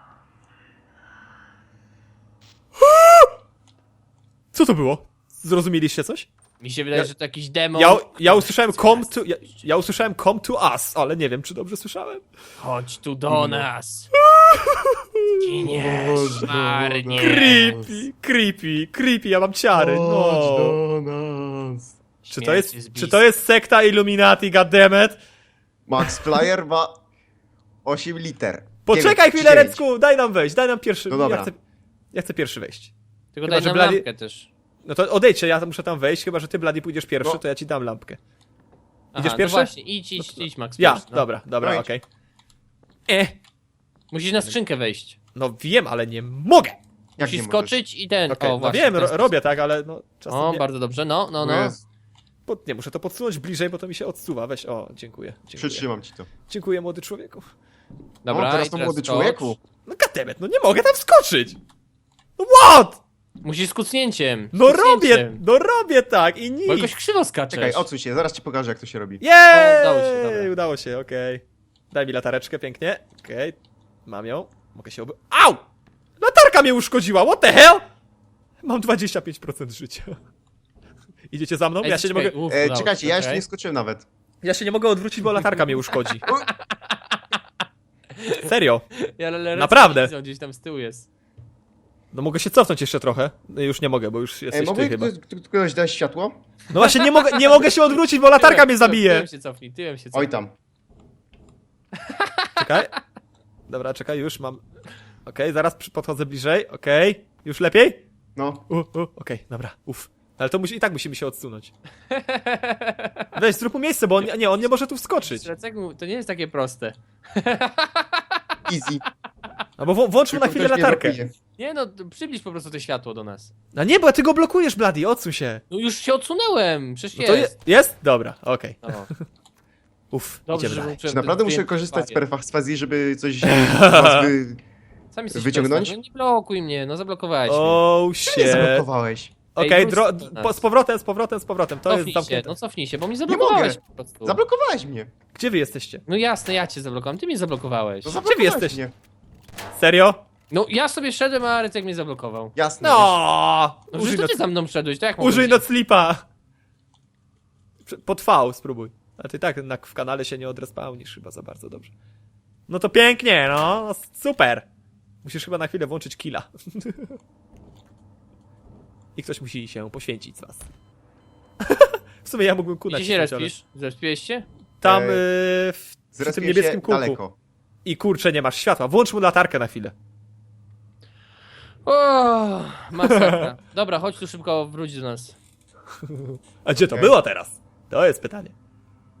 [SPEAKER 1] Co to było? Zrozumieliście coś?
[SPEAKER 3] Mi się wydaje,
[SPEAKER 1] Ja-
[SPEAKER 3] że to jakiś demon.
[SPEAKER 1] Ja, ja usłyszałem come to... Ja, ja usłyszałem come to us, ale nie wiem, czy dobrze słyszałem.
[SPEAKER 3] Chodź tu do nas. Giniesz,
[SPEAKER 2] Boże,
[SPEAKER 3] marnie.
[SPEAKER 1] Creepy, creepy, creepy, ja mam ciary, no.
[SPEAKER 2] Chodź do nas.
[SPEAKER 1] Czy to jest,
[SPEAKER 3] Śmierć jest
[SPEAKER 1] czy to jest sekta Illuminati, goddammit?
[SPEAKER 2] Max Flyer ma osiem liter.
[SPEAKER 1] Poczekaj
[SPEAKER 2] dziewięć,
[SPEAKER 1] chwilę,
[SPEAKER 2] dziewięć.
[SPEAKER 1] Recku, daj nam wejść, daj nam pierwszy.
[SPEAKER 2] No dobra.
[SPEAKER 1] Ja chcę, ja chcę pierwszy wejść.
[SPEAKER 3] Tylko
[SPEAKER 1] Chyba,
[SPEAKER 3] daj
[SPEAKER 1] że
[SPEAKER 3] nam
[SPEAKER 1] Blady-
[SPEAKER 3] lampkę też.
[SPEAKER 1] No to odejdźcie, ja muszę tam wejść, chyba że ty, Blady, pójdziesz pierwszy,
[SPEAKER 2] No.
[SPEAKER 1] to ja ci dam lampkę.
[SPEAKER 3] Aha,
[SPEAKER 1] Idziesz
[SPEAKER 3] no
[SPEAKER 1] pierwszy?
[SPEAKER 3] właśnie, idź, idź, idź, Max.
[SPEAKER 1] Ja,
[SPEAKER 3] pierwszy, no.
[SPEAKER 1] dobra, dobra,
[SPEAKER 2] No idź.
[SPEAKER 1] okej. E,
[SPEAKER 3] Musisz na skrzynkę wejść.
[SPEAKER 1] no wiem, ale nie mogę.
[SPEAKER 2] Jak
[SPEAKER 3] Musisz
[SPEAKER 2] nie możesz?
[SPEAKER 3] skoczyć i ten.
[SPEAKER 1] Okej,
[SPEAKER 3] o,
[SPEAKER 1] no
[SPEAKER 3] właśnie.
[SPEAKER 1] wiem,
[SPEAKER 3] w ten
[SPEAKER 1] ro,
[SPEAKER 3] sposób.
[SPEAKER 1] robię tak, ale no czasem
[SPEAKER 3] O,
[SPEAKER 1] nie.
[SPEAKER 3] bardzo dobrze, no, no, no.
[SPEAKER 2] Jest.
[SPEAKER 1] Pod, nie, muszę to podsunąć bliżej, bo to mi się odsuwa. Weź, o, dziękuję. Dziękuję,
[SPEAKER 2] Przytrzymam ci to.
[SPEAKER 1] dziękuję młody człowieku.
[SPEAKER 3] Dobra,
[SPEAKER 2] o, teraz
[SPEAKER 3] i
[SPEAKER 2] to
[SPEAKER 3] teraz
[SPEAKER 2] młody
[SPEAKER 3] skocz.
[SPEAKER 2] człowieku.
[SPEAKER 1] No goddammit, no nie mogę tam wskoczyć. No what?
[SPEAKER 3] Musisz z kucnięciem.
[SPEAKER 1] No
[SPEAKER 3] z kucnięciem.
[SPEAKER 1] robię, no robię tak i nic.
[SPEAKER 3] Bo jakoś krzywo skaczesz.
[SPEAKER 2] Czekaj, odsuń się, zaraz ci pokażę jak to się robi.
[SPEAKER 1] Jej!
[SPEAKER 3] O, udało się, dobra.
[SPEAKER 1] Udało się, okej. Daj mi latareczkę, pięknie. Okej, mam ją. Mogę się oby... Au! Latarka mnie uszkodziła, what the hell? Mam dwadzieścia pięć procent życia. Idziecie za mną?
[SPEAKER 3] Ej,
[SPEAKER 1] Ja się nie
[SPEAKER 3] czekaj,
[SPEAKER 1] mogę...
[SPEAKER 3] uf,
[SPEAKER 2] E,
[SPEAKER 3] udało
[SPEAKER 2] czekajcie,
[SPEAKER 3] się,
[SPEAKER 2] ja jeszcze
[SPEAKER 3] okej.
[SPEAKER 2] nie skoczyłem nawet.
[SPEAKER 1] Ja się nie mogę odwrócić, bo latarka mnie uszkodzi. Serio?
[SPEAKER 3] Ja, ale Recek
[SPEAKER 1] Naprawdę.
[SPEAKER 3] nie widzę, gdzieś tam z tyłu jest.
[SPEAKER 1] No mogę się cofnąć jeszcze trochę. No już nie mogę, bo już
[SPEAKER 2] Ej,
[SPEAKER 1] jesteś
[SPEAKER 2] mogę
[SPEAKER 1] ty chyba.
[SPEAKER 2] ktoś, ktoś dać światło?
[SPEAKER 1] No właśnie nie mogę, nie mogę się odwrócić, bo latarka mnie zabije.
[SPEAKER 3] Tyłem się cofnij, tyłem się cofnij.
[SPEAKER 2] Oj tam.
[SPEAKER 1] Czekaj. Dobra, czekaj, już mam... Okej, zaraz przy- podchodzę bliżej, okej. Już lepiej?
[SPEAKER 2] No.
[SPEAKER 1] U, u, okej, dobra, uff. Ale to musi, i tak musimy się odsunąć. Weź, zrób mu miejsce, bo on, nie, on nie może tu wskoczyć.
[SPEAKER 3] Recek, to nie jest takie proste.
[SPEAKER 2] Easy.
[SPEAKER 1] Albo wł- włącz mu na
[SPEAKER 2] Tylko
[SPEAKER 1] chwilę
[SPEAKER 2] ktoś mnie
[SPEAKER 1] latarkę.
[SPEAKER 2] blokuje.
[SPEAKER 3] Nie no, to przybliż po prostu to światło do nas.
[SPEAKER 1] No nie, bo ty go blokujesz, Bloody, odsuń się.
[SPEAKER 3] No już się odsunęłem, przecież
[SPEAKER 1] No to
[SPEAKER 3] jest.
[SPEAKER 1] jest? Jest? Dobra, okej.
[SPEAKER 3] No.
[SPEAKER 1] Uff,
[SPEAKER 3] Dobrze,
[SPEAKER 1] idziemy
[SPEAKER 3] że
[SPEAKER 1] dalej.
[SPEAKER 2] Czy naprawdę muszę
[SPEAKER 3] zdjęcie
[SPEAKER 2] korzystać z
[SPEAKER 3] fajnie.
[SPEAKER 2] perfazji, żeby coś z was wy...
[SPEAKER 3] Sam jesteś
[SPEAKER 2] wyciągnąć?
[SPEAKER 3] perswazją, nie blokuj mnie, no zablokowałeś mnie.
[SPEAKER 1] Oh
[SPEAKER 2] Nie
[SPEAKER 1] shit.
[SPEAKER 2] zablokowałeś.
[SPEAKER 1] Okej,
[SPEAKER 3] Ej,
[SPEAKER 1] dro-
[SPEAKER 3] wróć do nas.
[SPEAKER 1] po, z powrotem, z powrotem, z powrotem, to jest
[SPEAKER 3] Cofnij się,
[SPEAKER 1] zamknięte.
[SPEAKER 3] no cofnij się, bo mnie
[SPEAKER 2] Nie
[SPEAKER 3] zablokowałeś
[SPEAKER 2] mogę.
[SPEAKER 3] po prostu.
[SPEAKER 2] Zablokowałeś mnie.
[SPEAKER 1] Gdzie wy jesteście?
[SPEAKER 3] No jasne, ja cię zablokowałem, ty mnie zablokowałeś.
[SPEAKER 2] No
[SPEAKER 1] Gdzie wy
[SPEAKER 2] zablokowałeś
[SPEAKER 1] jesteście?
[SPEAKER 2] mnie.
[SPEAKER 1] Serio?
[SPEAKER 3] No ja sobie szedłem, a Recek mnie zablokował.
[SPEAKER 2] Jasne.
[SPEAKER 1] No!
[SPEAKER 3] No
[SPEAKER 1] Użyj,
[SPEAKER 3] przecież to
[SPEAKER 1] noc,
[SPEAKER 3] ty za mną szedłeś, to jak mogłem
[SPEAKER 1] użyj
[SPEAKER 3] się-
[SPEAKER 1] noclipa! Prze- Po V spróbuj. A ty tak na, w kanale się nie odrespawnisz chyba za bardzo dobrze. No to pięknie, no, super! Musisz chyba na chwilę włączyć killa. I ktoś musi się poświęcić z was. W sumie ja mógłbym kunać.
[SPEAKER 3] Gdzie się respisz? Zrespiłeś się?
[SPEAKER 1] Tam
[SPEAKER 2] Eee,
[SPEAKER 1] yy, w, przy tym
[SPEAKER 2] Zrespię
[SPEAKER 1] niebieskim
[SPEAKER 2] się
[SPEAKER 1] kółku.
[SPEAKER 2] daleko.
[SPEAKER 1] I kurczę, nie masz światła. Włącz mu latarkę na chwilę.
[SPEAKER 3] O, masakra. Dobra, chodź tu szybko, wróć do nas.
[SPEAKER 1] A gdzie to
[SPEAKER 2] Okej.
[SPEAKER 1] było teraz? To jest pytanie.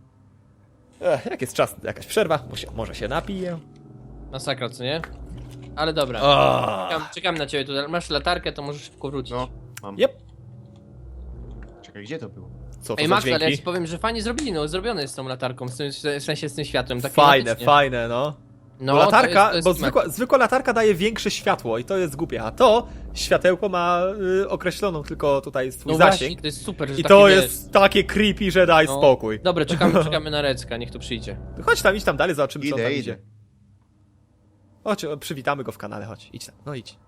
[SPEAKER 1] Ech, jak jest czas, jakaś przerwa, bo się, może się napiję.
[SPEAKER 3] Masakra, co nie? Ale dobra.
[SPEAKER 1] O!
[SPEAKER 3] Czekam, czekam na ciebie tutaj. Masz latarkę, to możesz szybko wrócić.
[SPEAKER 2] No, mam.
[SPEAKER 1] Yep.
[SPEAKER 2] Czekaj, gdzie to było?
[SPEAKER 1] Co to
[SPEAKER 3] Ej,
[SPEAKER 1] za
[SPEAKER 3] Max, ale ja
[SPEAKER 1] dźwięki?
[SPEAKER 3] ci powiem, że fajnie zrobili, no zrobione jest z tą latarką, z tym, w sensie z tym światłem. Tak
[SPEAKER 1] Fajne,
[SPEAKER 3] klimatycznie.
[SPEAKER 1] fajne, no.
[SPEAKER 3] No,
[SPEAKER 1] Bo latarka,
[SPEAKER 3] to jest, to jest
[SPEAKER 1] bo
[SPEAKER 3] klimat.
[SPEAKER 1] zwykła, zwykła latarka daje większe światło i to jest głupie, a to światełko ma y, określoną tylko tutaj swój
[SPEAKER 3] No
[SPEAKER 1] zasięg.
[SPEAKER 3] właśnie, to jest super, że
[SPEAKER 1] I
[SPEAKER 3] takie,
[SPEAKER 1] to
[SPEAKER 3] wiesz,
[SPEAKER 1] jest takie creepy, że daj
[SPEAKER 3] no.
[SPEAKER 1] spokój.
[SPEAKER 3] Dobra, czekamy, czekamy na Recka, niech tu przyjdzie.
[SPEAKER 1] Chodź tam, idź tam dalej, zobaczymy co on
[SPEAKER 2] Idę,
[SPEAKER 1] tam
[SPEAKER 2] idę.
[SPEAKER 1] idzie. Chodź, o, przywitamy go w kanale, chodź, idź tam, no idź.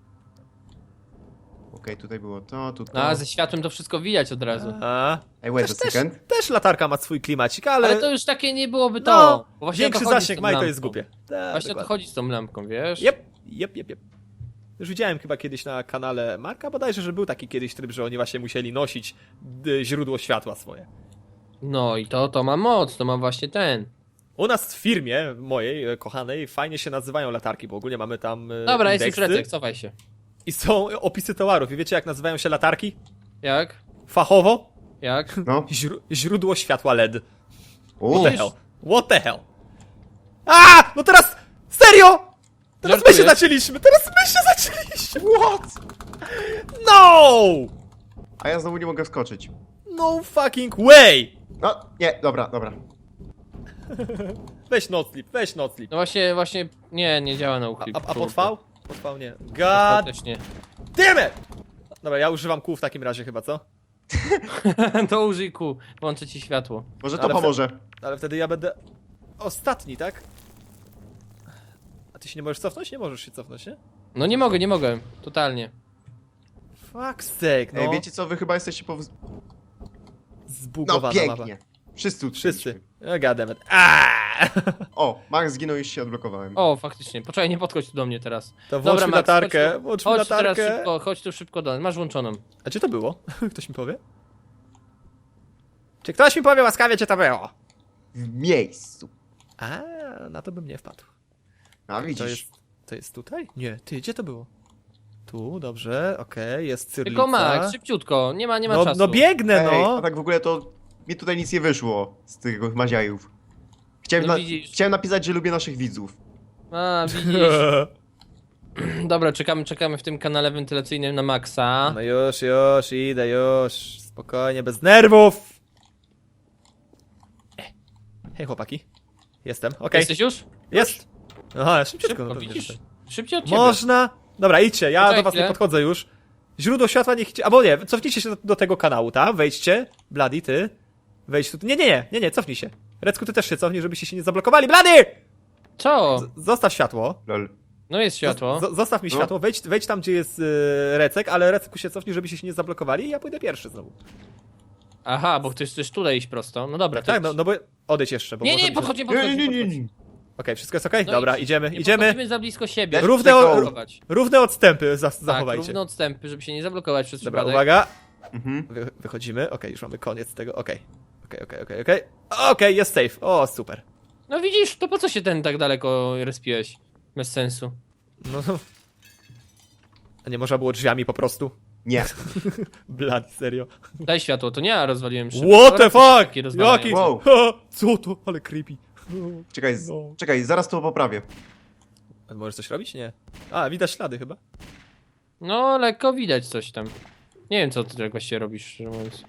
[SPEAKER 2] Okej, tutaj było to, tu to.
[SPEAKER 3] No, a ze światłem to wszystko widać od razu.
[SPEAKER 1] A,
[SPEAKER 2] Ej, wait a
[SPEAKER 1] też, też,
[SPEAKER 2] second.
[SPEAKER 1] też latarka ma swój klimacik, ale...
[SPEAKER 3] Ale to już takie nie byłoby to.
[SPEAKER 1] no,
[SPEAKER 3] bo właśnie o to
[SPEAKER 1] większy
[SPEAKER 3] chodzi z
[SPEAKER 1] zasięg
[SPEAKER 3] tą
[SPEAKER 1] ma i to
[SPEAKER 3] lampką.
[SPEAKER 1] jest głupie. Tak,
[SPEAKER 3] Właśnie o to
[SPEAKER 1] dokładnie.
[SPEAKER 3] chodzi z tą lampką, wiesz?
[SPEAKER 1] Jep, jep, jep, jep. Już widziałem chyba kiedyś na kanale Marka bodajże, że był taki kiedyś tryb, że oni właśnie musieli nosić y, źródło światła swoje.
[SPEAKER 3] No i to, to ma moc, to ma właśnie ten.
[SPEAKER 1] U nas w firmie mojej, e, kochanej, fajnie się nazywają latarki, bo ogólnie mamy tam e,
[SPEAKER 3] Dobra, jest już
[SPEAKER 1] indeksy
[SPEAKER 3] Recek, cofaj się.
[SPEAKER 1] i są opisy towarów. I wiecie jak nazywają się latarki?
[SPEAKER 3] Jak?
[SPEAKER 1] Fachowo?
[SPEAKER 3] Jak?
[SPEAKER 2] No.
[SPEAKER 1] Źró źródło światła L E D.
[SPEAKER 2] U,
[SPEAKER 1] What the hell? What the hell? A! No teraz! Serio! Teraz my się
[SPEAKER 3] Żartujesz?
[SPEAKER 1] zaczęliśmy! Teraz my się zaczęliśmy!
[SPEAKER 2] What?
[SPEAKER 1] No!
[SPEAKER 2] A ja znowu nie mogę wskoczyć.
[SPEAKER 1] No fucking way!
[SPEAKER 2] No, nie, dobra, dobra.
[SPEAKER 1] Weź noclip, weź noclip.
[SPEAKER 3] No właśnie, właśnie, nie, nie działa na
[SPEAKER 1] A,
[SPEAKER 3] uchlip.
[SPEAKER 1] a, a pod V? Pod V nie.
[SPEAKER 3] God.
[SPEAKER 1] God
[SPEAKER 3] Też nie.
[SPEAKER 1] damn it! Dobra, ja używam kół w takim razie chyba, co?
[SPEAKER 3] To użyj kół, włączę ci światło.
[SPEAKER 2] Może to
[SPEAKER 1] Ale
[SPEAKER 2] pomoże.
[SPEAKER 1] Ale wtedy ja będę ostatni, tak? A ty się nie możesz cofnąć? Nie możesz się cofnąć, nie?
[SPEAKER 3] No nie mogę, nie mogę, totalnie.
[SPEAKER 1] Fuck's sake, no.
[SPEAKER 2] Ej, wiecie co, wy chyba jesteście po... No
[SPEAKER 1] Zbugowana
[SPEAKER 2] pięknie.
[SPEAKER 1] mapa.
[SPEAKER 2] Wszyscy
[SPEAKER 1] Wszyscy.
[SPEAKER 2] utknęliśmy.
[SPEAKER 1] Oh, God damn it. Aaaa!
[SPEAKER 2] O, Max zginął i już się odblokowałem.
[SPEAKER 3] O, faktycznie, poczekaj, nie podchodź tu do mnie teraz.
[SPEAKER 1] To włącz mi
[SPEAKER 3] Max,
[SPEAKER 1] latarkę,
[SPEAKER 3] chodź tu-
[SPEAKER 1] włącz mi
[SPEAKER 3] Chodź teraz
[SPEAKER 1] latarkę.
[SPEAKER 3] szybko, chodź tu szybko do nas, masz włączoną.
[SPEAKER 1] A gdzie to było? Ktoś mi powie? Czy ktoś mi powie łaskawie, gdzie to było?
[SPEAKER 2] W miejscu.
[SPEAKER 1] A, na to bym nie wpadł.
[SPEAKER 2] A
[SPEAKER 1] To
[SPEAKER 2] widzisz.
[SPEAKER 1] jest, to jest tutaj? Nie, ty, gdzie to było? Tu, dobrze, okej, jest cyrlica.
[SPEAKER 3] Tylko Max, szybciutko, nie ma, nie ma
[SPEAKER 1] no,
[SPEAKER 3] czasu.
[SPEAKER 1] no biegnę,
[SPEAKER 2] Ej,
[SPEAKER 1] no!
[SPEAKER 2] a tak w ogóle to mi tutaj nic nie wyszło z tych maziajów. Chciałem,
[SPEAKER 3] No
[SPEAKER 2] na...
[SPEAKER 3] widzisz.
[SPEAKER 2] Chciałem napisać, że lubię naszych widzów.
[SPEAKER 3] A, widzisz. Dobra, czekamy, czekamy w tym kanale wentylacyjnym na Maxa.
[SPEAKER 1] No już, już, idę, już. Spokojnie, bez nerwów! E. Hej chłopaki. Jestem, okej.
[SPEAKER 3] Jesteś już?
[SPEAKER 1] Jest! Aha, szybciutko.
[SPEAKER 3] Szybko,
[SPEAKER 1] no pewnie,
[SPEAKER 3] widzisz?
[SPEAKER 1] że tak.
[SPEAKER 3] Szybciej od ciebie.
[SPEAKER 1] Można! Dobra, idźcie, ja
[SPEAKER 3] Poczekaj
[SPEAKER 1] do was nie
[SPEAKER 3] chwilę.
[SPEAKER 1] podchodzę już. Źródło światła niech idzie. Albo nie, cofnijcie się do, do tego kanału, tak? Wejdźcie. Bloody, ty. Wejdź tu. Nie, nie, nie, nie, nie, cofnij się. Recku, ty też się cofnij, żebyście się nie zablokowali. Bloody!
[SPEAKER 3] Co?
[SPEAKER 1] Z zostaw światło.
[SPEAKER 2] Lol.
[SPEAKER 3] No jest światło.
[SPEAKER 1] Z zostaw mi
[SPEAKER 2] No.
[SPEAKER 1] światło, wejdź, wejdź tam, gdzie jest yy, Recek, ale Recku się cofnij, żebyście się nie zablokowali i ja pójdę pierwszy znowu.
[SPEAKER 3] Aha, bo chcesz też tutaj iść prosto. No dobra, to
[SPEAKER 1] Tak,
[SPEAKER 3] idź.
[SPEAKER 1] no, no bo odejdź jeszcze, bo
[SPEAKER 3] Nie,
[SPEAKER 1] może
[SPEAKER 3] nie,
[SPEAKER 1] mi się-
[SPEAKER 3] podchodź, nie
[SPEAKER 2] Nie,
[SPEAKER 3] podchodź,
[SPEAKER 2] nie, nie, nie,
[SPEAKER 3] podchodź.
[SPEAKER 2] nie.
[SPEAKER 1] Okej, wszystko jest okej?
[SPEAKER 3] No
[SPEAKER 1] Dobra,
[SPEAKER 3] idź.
[SPEAKER 1] idziemy,
[SPEAKER 3] Nie
[SPEAKER 1] idziemy.
[SPEAKER 3] podchodzimy za blisko siebie.
[SPEAKER 2] Równe
[SPEAKER 3] żeby się
[SPEAKER 2] o-
[SPEAKER 3] nie zablokować.
[SPEAKER 1] Równe odstępy za
[SPEAKER 3] Tak,
[SPEAKER 1] zachowajcie.
[SPEAKER 3] równe odstępy, żeby się nie zablokować przez
[SPEAKER 1] Dobra,
[SPEAKER 3] przypadek.
[SPEAKER 1] uwaga.
[SPEAKER 2] Mhm.
[SPEAKER 1] Wy, wychodzimy, okej, już mamy koniec tego, okej. Okej, okej, okej, okej. Okej, jest safe, o, super.
[SPEAKER 3] No widzisz, to po co się ten tak daleko respiłeś? Bez sensu.
[SPEAKER 1] No. A nie można było drzwiami po prostu?
[SPEAKER 2] Nie.
[SPEAKER 1] Blad, serio.
[SPEAKER 3] Daj światło, to nie ja rozwaliłem szybko.
[SPEAKER 1] What the
[SPEAKER 3] Raczej
[SPEAKER 1] fuck?
[SPEAKER 3] takie rozwalają.
[SPEAKER 1] Jaki?
[SPEAKER 2] Wow.
[SPEAKER 1] Ha, co to? Ale creepy.
[SPEAKER 2] Czekaj, z...
[SPEAKER 1] No.
[SPEAKER 2] czekaj, zaraz to poprawię.
[SPEAKER 1] A możesz coś robić? Nie. A, widać ślady chyba.
[SPEAKER 3] No, lekko widać coś tam. Nie wiem, co ty tak właściwie robisz, szczerze mówiąc.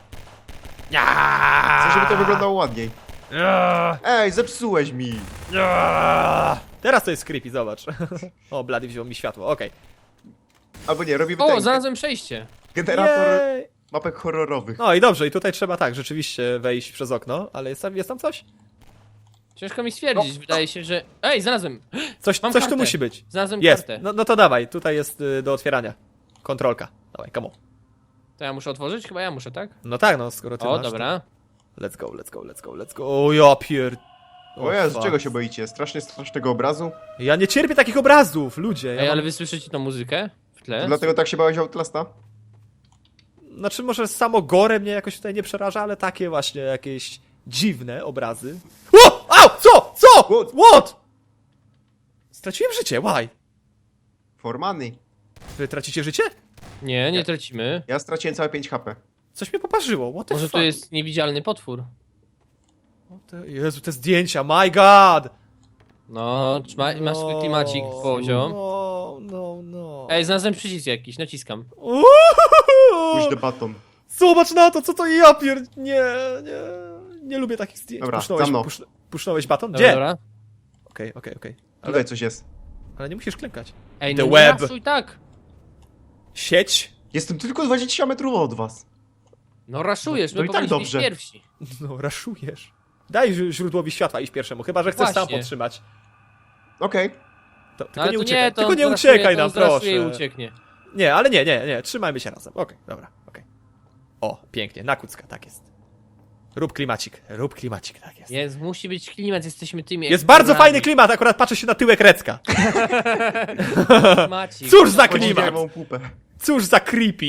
[SPEAKER 2] Chcę, żeby to wyglądało ładniej.
[SPEAKER 1] Ja,
[SPEAKER 2] Ej, zepsułeś mi.
[SPEAKER 1] ja. Teraz to jest creepy, zobacz. O, Blady wziął mi światło, okej.
[SPEAKER 2] Albo nie, robimy
[SPEAKER 3] O,
[SPEAKER 2] ten
[SPEAKER 3] znalazłem przejście.
[SPEAKER 2] generator
[SPEAKER 1] Jej.
[SPEAKER 2] mapek horrorowych.
[SPEAKER 1] No i dobrze, i tutaj trzeba tak, rzeczywiście wejść przez okno, ale jest tam, jest tam coś?
[SPEAKER 3] Ciężko mi stwierdzić, wydaje się, że... Ej, znalazłem!
[SPEAKER 1] Coś,
[SPEAKER 3] Mam
[SPEAKER 1] coś tu
[SPEAKER 3] kartę.
[SPEAKER 1] musi być.
[SPEAKER 3] Znalazłem
[SPEAKER 1] Jest,
[SPEAKER 3] kartę.
[SPEAKER 1] no, no to dawaj, tutaj jest y, do otwierania. Kontrolka. Dawaj, come on.
[SPEAKER 3] To ja muszę otworzyć? Chyba ja muszę, tak?
[SPEAKER 1] No tak, no skoro ty
[SPEAKER 3] O,
[SPEAKER 1] masz,
[SPEAKER 3] dobra.
[SPEAKER 1] To... Let's go, let's go, let's go, let's go. O, ja pier...
[SPEAKER 2] O Jezu,
[SPEAKER 1] fuck.
[SPEAKER 2] czego się boicie? Strasznie strasznego obrazu?
[SPEAKER 1] Ja nie cierpię takich obrazów, ludzie. Ja
[SPEAKER 3] Ej,
[SPEAKER 1] mam...
[SPEAKER 3] ale wy słyszycie tą muzykę w tle?
[SPEAKER 2] Dlatego tak się bałeś Outlasta?
[SPEAKER 1] Znaczy może samo gore mnie jakoś tutaj nie przeraża, ale takie właśnie jakieś dziwne obrazy. O! Au! Co? Co?
[SPEAKER 2] What?
[SPEAKER 1] What? Straciłem życie, why?
[SPEAKER 2] Formany.
[SPEAKER 1] Wy tracicie życie?
[SPEAKER 3] Nie, nie tracimy.
[SPEAKER 2] Ja straciłem całe pięć H P.
[SPEAKER 1] Coś mnie poparzyło, what the
[SPEAKER 3] Może
[SPEAKER 1] fuck?
[SPEAKER 3] tu jest niewidzialny potwór.
[SPEAKER 1] O te, Jezu, te zdjęcia, my god!
[SPEAKER 3] No, trzyma, masz swój klimacik, poziom.
[SPEAKER 1] No, no, no.
[SPEAKER 3] Ej, znalazłem przycisk jakiś, naciskam.
[SPEAKER 2] Push the button.
[SPEAKER 1] Zobacz na to, co to ja pier... Nie, nie, nie lubię takich zdjęć.
[SPEAKER 2] Dobra,
[SPEAKER 1] pusznąłeś,
[SPEAKER 2] za mną.
[SPEAKER 1] pusz, pusznąłeś baton?
[SPEAKER 3] Dobra,
[SPEAKER 1] Gdzie?
[SPEAKER 3] dobra.
[SPEAKER 1] Okej, okej, okej.
[SPEAKER 2] Tutaj coś jest.
[SPEAKER 1] Ale nie musisz klękać.
[SPEAKER 3] Ej,
[SPEAKER 1] The
[SPEAKER 3] no
[SPEAKER 1] web.
[SPEAKER 3] nie raszuj tak.
[SPEAKER 1] Sieć?
[SPEAKER 2] Jestem tylko dwadzieścia metrów od was.
[SPEAKER 3] No raszujesz,
[SPEAKER 2] No
[SPEAKER 3] my
[SPEAKER 2] i tak
[SPEAKER 3] powinniśmy iść
[SPEAKER 2] dobrze.
[SPEAKER 3] pierwsi.
[SPEAKER 1] No, raszujesz. Daj ź- źródłowi światła iść pierwszemu, chyba że chcesz sam
[SPEAKER 3] Właśnie.
[SPEAKER 1] podtrzymać.
[SPEAKER 2] Okej.
[SPEAKER 1] To, tylko
[SPEAKER 3] No, ale
[SPEAKER 1] nie
[SPEAKER 3] to
[SPEAKER 1] uciekaj,
[SPEAKER 3] nie, to
[SPEAKER 1] tylko
[SPEAKER 3] on
[SPEAKER 1] nie
[SPEAKER 3] zraszuje,
[SPEAKER 1] uciekaj
[SPEAKER 3] to
[SPEAKER 1] nam,
[SPEAKER 3] on zraszuje
[SPEAKER 1] proszę.
[SPEAKER 3] i ucieknie.
[SPEAKER 1] Nie, ale nie, nie, nie, trzymajmy się razem. Okej, dobra, okej. O, pięknie, na kucka, tak jest. Rób klimacik, rób klimacik, tak jest.
[SPEAKER 3] Jest, musi być klimat, jesteśmy tymi
[SPEAKER 1] Jest bardzo
[SPEAKER 3] ekspertami.
[SPEAKER 1] fajny klimat, akurat patrzę się na tyłek Recka.
[SPEAKER 3] Klimacik.
[SPEAKER 1] Cóż za
[SPEAKER 2] Podziwiam
[SPEAKER 1] klimat,
[SPEAKER 2] mą pupę.
[SPEAKER 1] cóż za creepy.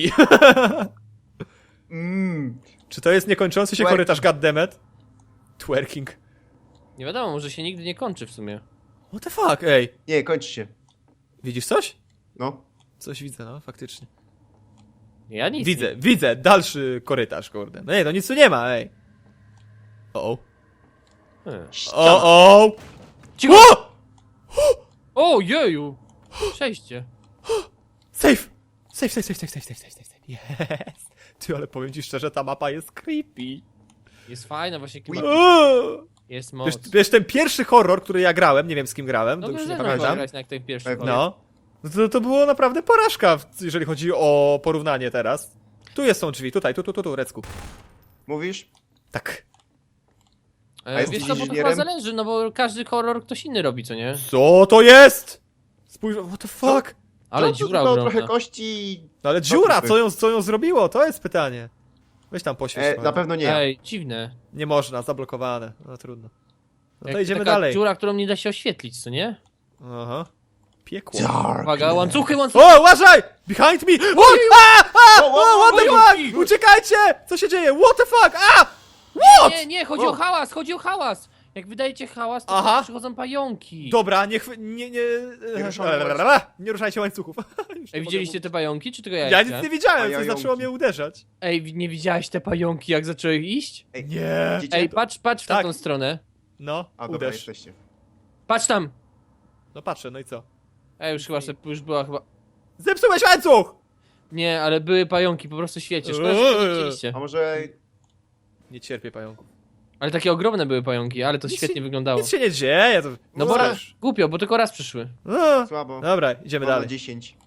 [SPEAKER 2] Mmm.
[SPEAKER 1] Czy to jest niekończący się
[SPEAKER 2] Twerk.
[SPEAKER 1] korytarz, goddammit? Twerking.
[SPEAKER 3] Nie wiadomo, może się nigdy nie kończy w sumie.
[SPEAKER 1] What the fuck, ej.
[SPEAKER 2] Nie, kończy się.
[SPEAKER 1] Widzisz coś?
[SPEAKER 2] No.
[SPEAKER 1] Coś widzę, no, faktycznie.
[SPEAKER 3] Ja nic
[SPEAKER 1] Widzę,
[SPEAKER 3] nie.
[SPEAKER 1] widzę, dalszy korytarz, kurde. No nie, no nic tu nie ma, ej. O, o.
[SPEAKER 3] Hmm.
[SPEAKER 1] O, o.
[SPEAKER 3] Cicho!
[SPEAKER 1] O!
[SPEAKER 3] O, jeju! Przejście.
[SPEAKER 1] Safe! Safe, safe, safe, safe, safe, safe, safe, safe, safe. Yes! Ty, ale powiem ci szczerze, ta mapa jest creepy.
[SPEAKER 3] Jest fajna właśnie klimat.
[SPEAKER 1] O!
[SPEAKER 3] Jest
[SPEAKER 1] Wiesz,
[SPEAKER 3] moc.
[SPEAKER 1] wiesz, ten pierwszy horror, który ja grałem, nie wiem z kim grałem, to
[SPEAKER 3] No
[SPEAKER 1] już
[SPEAKER 3] już
[SPEAKER 1] nie
[SPEAKER 3] nie
[SPEAKER 1] pamiętam.
[SPEAKER 3] grać na jak ten pierwszy.
[SPEAKER 2] Pewnie.
[SPEAKER 3] kolej.
[SPEAKER 1] No. No To, to było naprawdę porażka, w- jeżeli chodzi o porównanie teraz. Tu jest są drzwi, tutaj, tu, tu, tu, tu, Recku.
[SPEAKER 2] Mówisz?
[SPEAKER 1] Tak.
[SPEAKER 2] A
[SPEAKER 3] E,
[SPEAKER 2] jest
[SPEAKER 3] wiesz co, bo to
[SPEAKER 2] inżynierem?
[SPEAKER 3] chyba zależy, no bo każdy horror ktoś inny robi, co nie?
[SPEAKER 1] Co to jest? Spójrz, what the fuck?
[SPEAKER 3] Ale
[SPEAKER 2] no, to
[SPEAKER 3] dziura
[SPEAKER 2] tylko
[SPEAKER 3] ogromna.
[SPEAKER 2] trochę kości.
[SPEAKER 1] No ale
[SPEAKER 2] No,
[SPEAKER 1] dziura,
[SPEAKER 2] trupy.
[SPEAKER 1] co ją, co ją zrobiło? To jest pytanie. Weź tam poświeć.
[SPEAKER 2] E,
[SPEAKER 1] trochę.
[SPEAKER 2] na pewno nie.
[SPEAKER 3] Ej, dziwne.
[SPEAKER 1] Nie można, zablokowane. No trudno. No to
[SPEAKER 3] Jak
[SPEAKER 1] idziemy
[SPEAKER 3] taka
[SPEAKER 1] dalej.
[SPEAKER 3] dziura, którą nie da się oświetlić, co nie?
[SPEAKER 1] Aha. Piekło.
[SPEAKER 2] Dark.
[SPEAKER 3] Uwaga, łańcuchy, łańcuchy!
[SPEAKER 1] O, uważaj! Behind me! What? A, a,
[SPEAKER 2] O, o,
[SPEAKER 1] o, what the
[SPEAKER 3] pająki!
[SPEAKER 1] fuck? Uciekajcie! Co się dzieje? What the fuck? A! What?
[SPEAKER 3] Nie, nie, chodzi
[SPEAKER 2] O.
[SPEAKER 3] o hałas, chodzi o hałas! Jak wydajecie hałas, to
[SPEAKER 1] Aha.
[SPEAKER 3] przychodzą pająki.
[SPEAKER 1] Dobra, nie chwy... nie, nie...
[SPEAKER 2] Nie ruszamy
[SPEAKER 1] Nie ruszajcie łańcuchów. Już nie
[SPEAKER 3] Ej, widzieliście
[SPEAKER 1] mogę
[SPEAKER 3] te pająki, czy tylko ja?
[SPEAKER 1] mówić. Ja
[SPEAKER 3] widziałem?
[SPEAKER 1] nic nie widziałem,
[SPEAKER 2] A
[SPEAKER 1] coś
[SPEAKER 2] jająki.
[SPEAKER 1] zaczęło mnie uderzać.
[SPEAKER 3] Ej, wi- nie widziałeś te pająki, jak zaczęły iść?
[SPEAKER 2] Ej,
[SPEAKER 1] Nie.
[SPEAKER 2] widzicie?
[SPEAKER 3] Ej, patrz, patrz w
[SPEAKER 1] Tak.
[SPEAKER 3] tą stronę.
[SPEAKER 1] No,
[SPEAKER 2] A dobra,
[SPEAKER 1] uderz.
[SPEAKER 2] jesteście.
[SPEAKER 3] Patrz tam!
[SPEAKER 1] No patrzę, no i co?
[SPEAKER 3] Ej, już chyba, se- już była chyba...
[SPEAKER 1] Zepsułeś łańcuch!
[SPEAKER 3] Nie, ale były pająki, po prostu świecie. Szkoda, że tego nie widzieliście.
[SPEAKER 2] A może...
[SPEAKER 1] Nie cierpię pająków.
[SPEAKER 3] Ale takie ogromne były pająki, ale to
[SPEAKER 1] Nic
[SPEAKER 3] świetnie
[SPEAKER 1] się-
[SPEAKER 3] wyglądało.
[SPEAKER 1] Nic się nie dzieje, to...
[SPEAKER 3] No bo
[SPEAKER 2] Ua.
[SPEAKER 3] raz, głupio, bo tylko raz przyszły.
[SPEAKER 1] No.
[SPEAKER 2] Słabo.
[SPEAKER 1] Dobra, idziemy
[SPEAKER 2] Mam na
[SPEAKER 1] dalej.
[SPEAKER 2] dziesięć.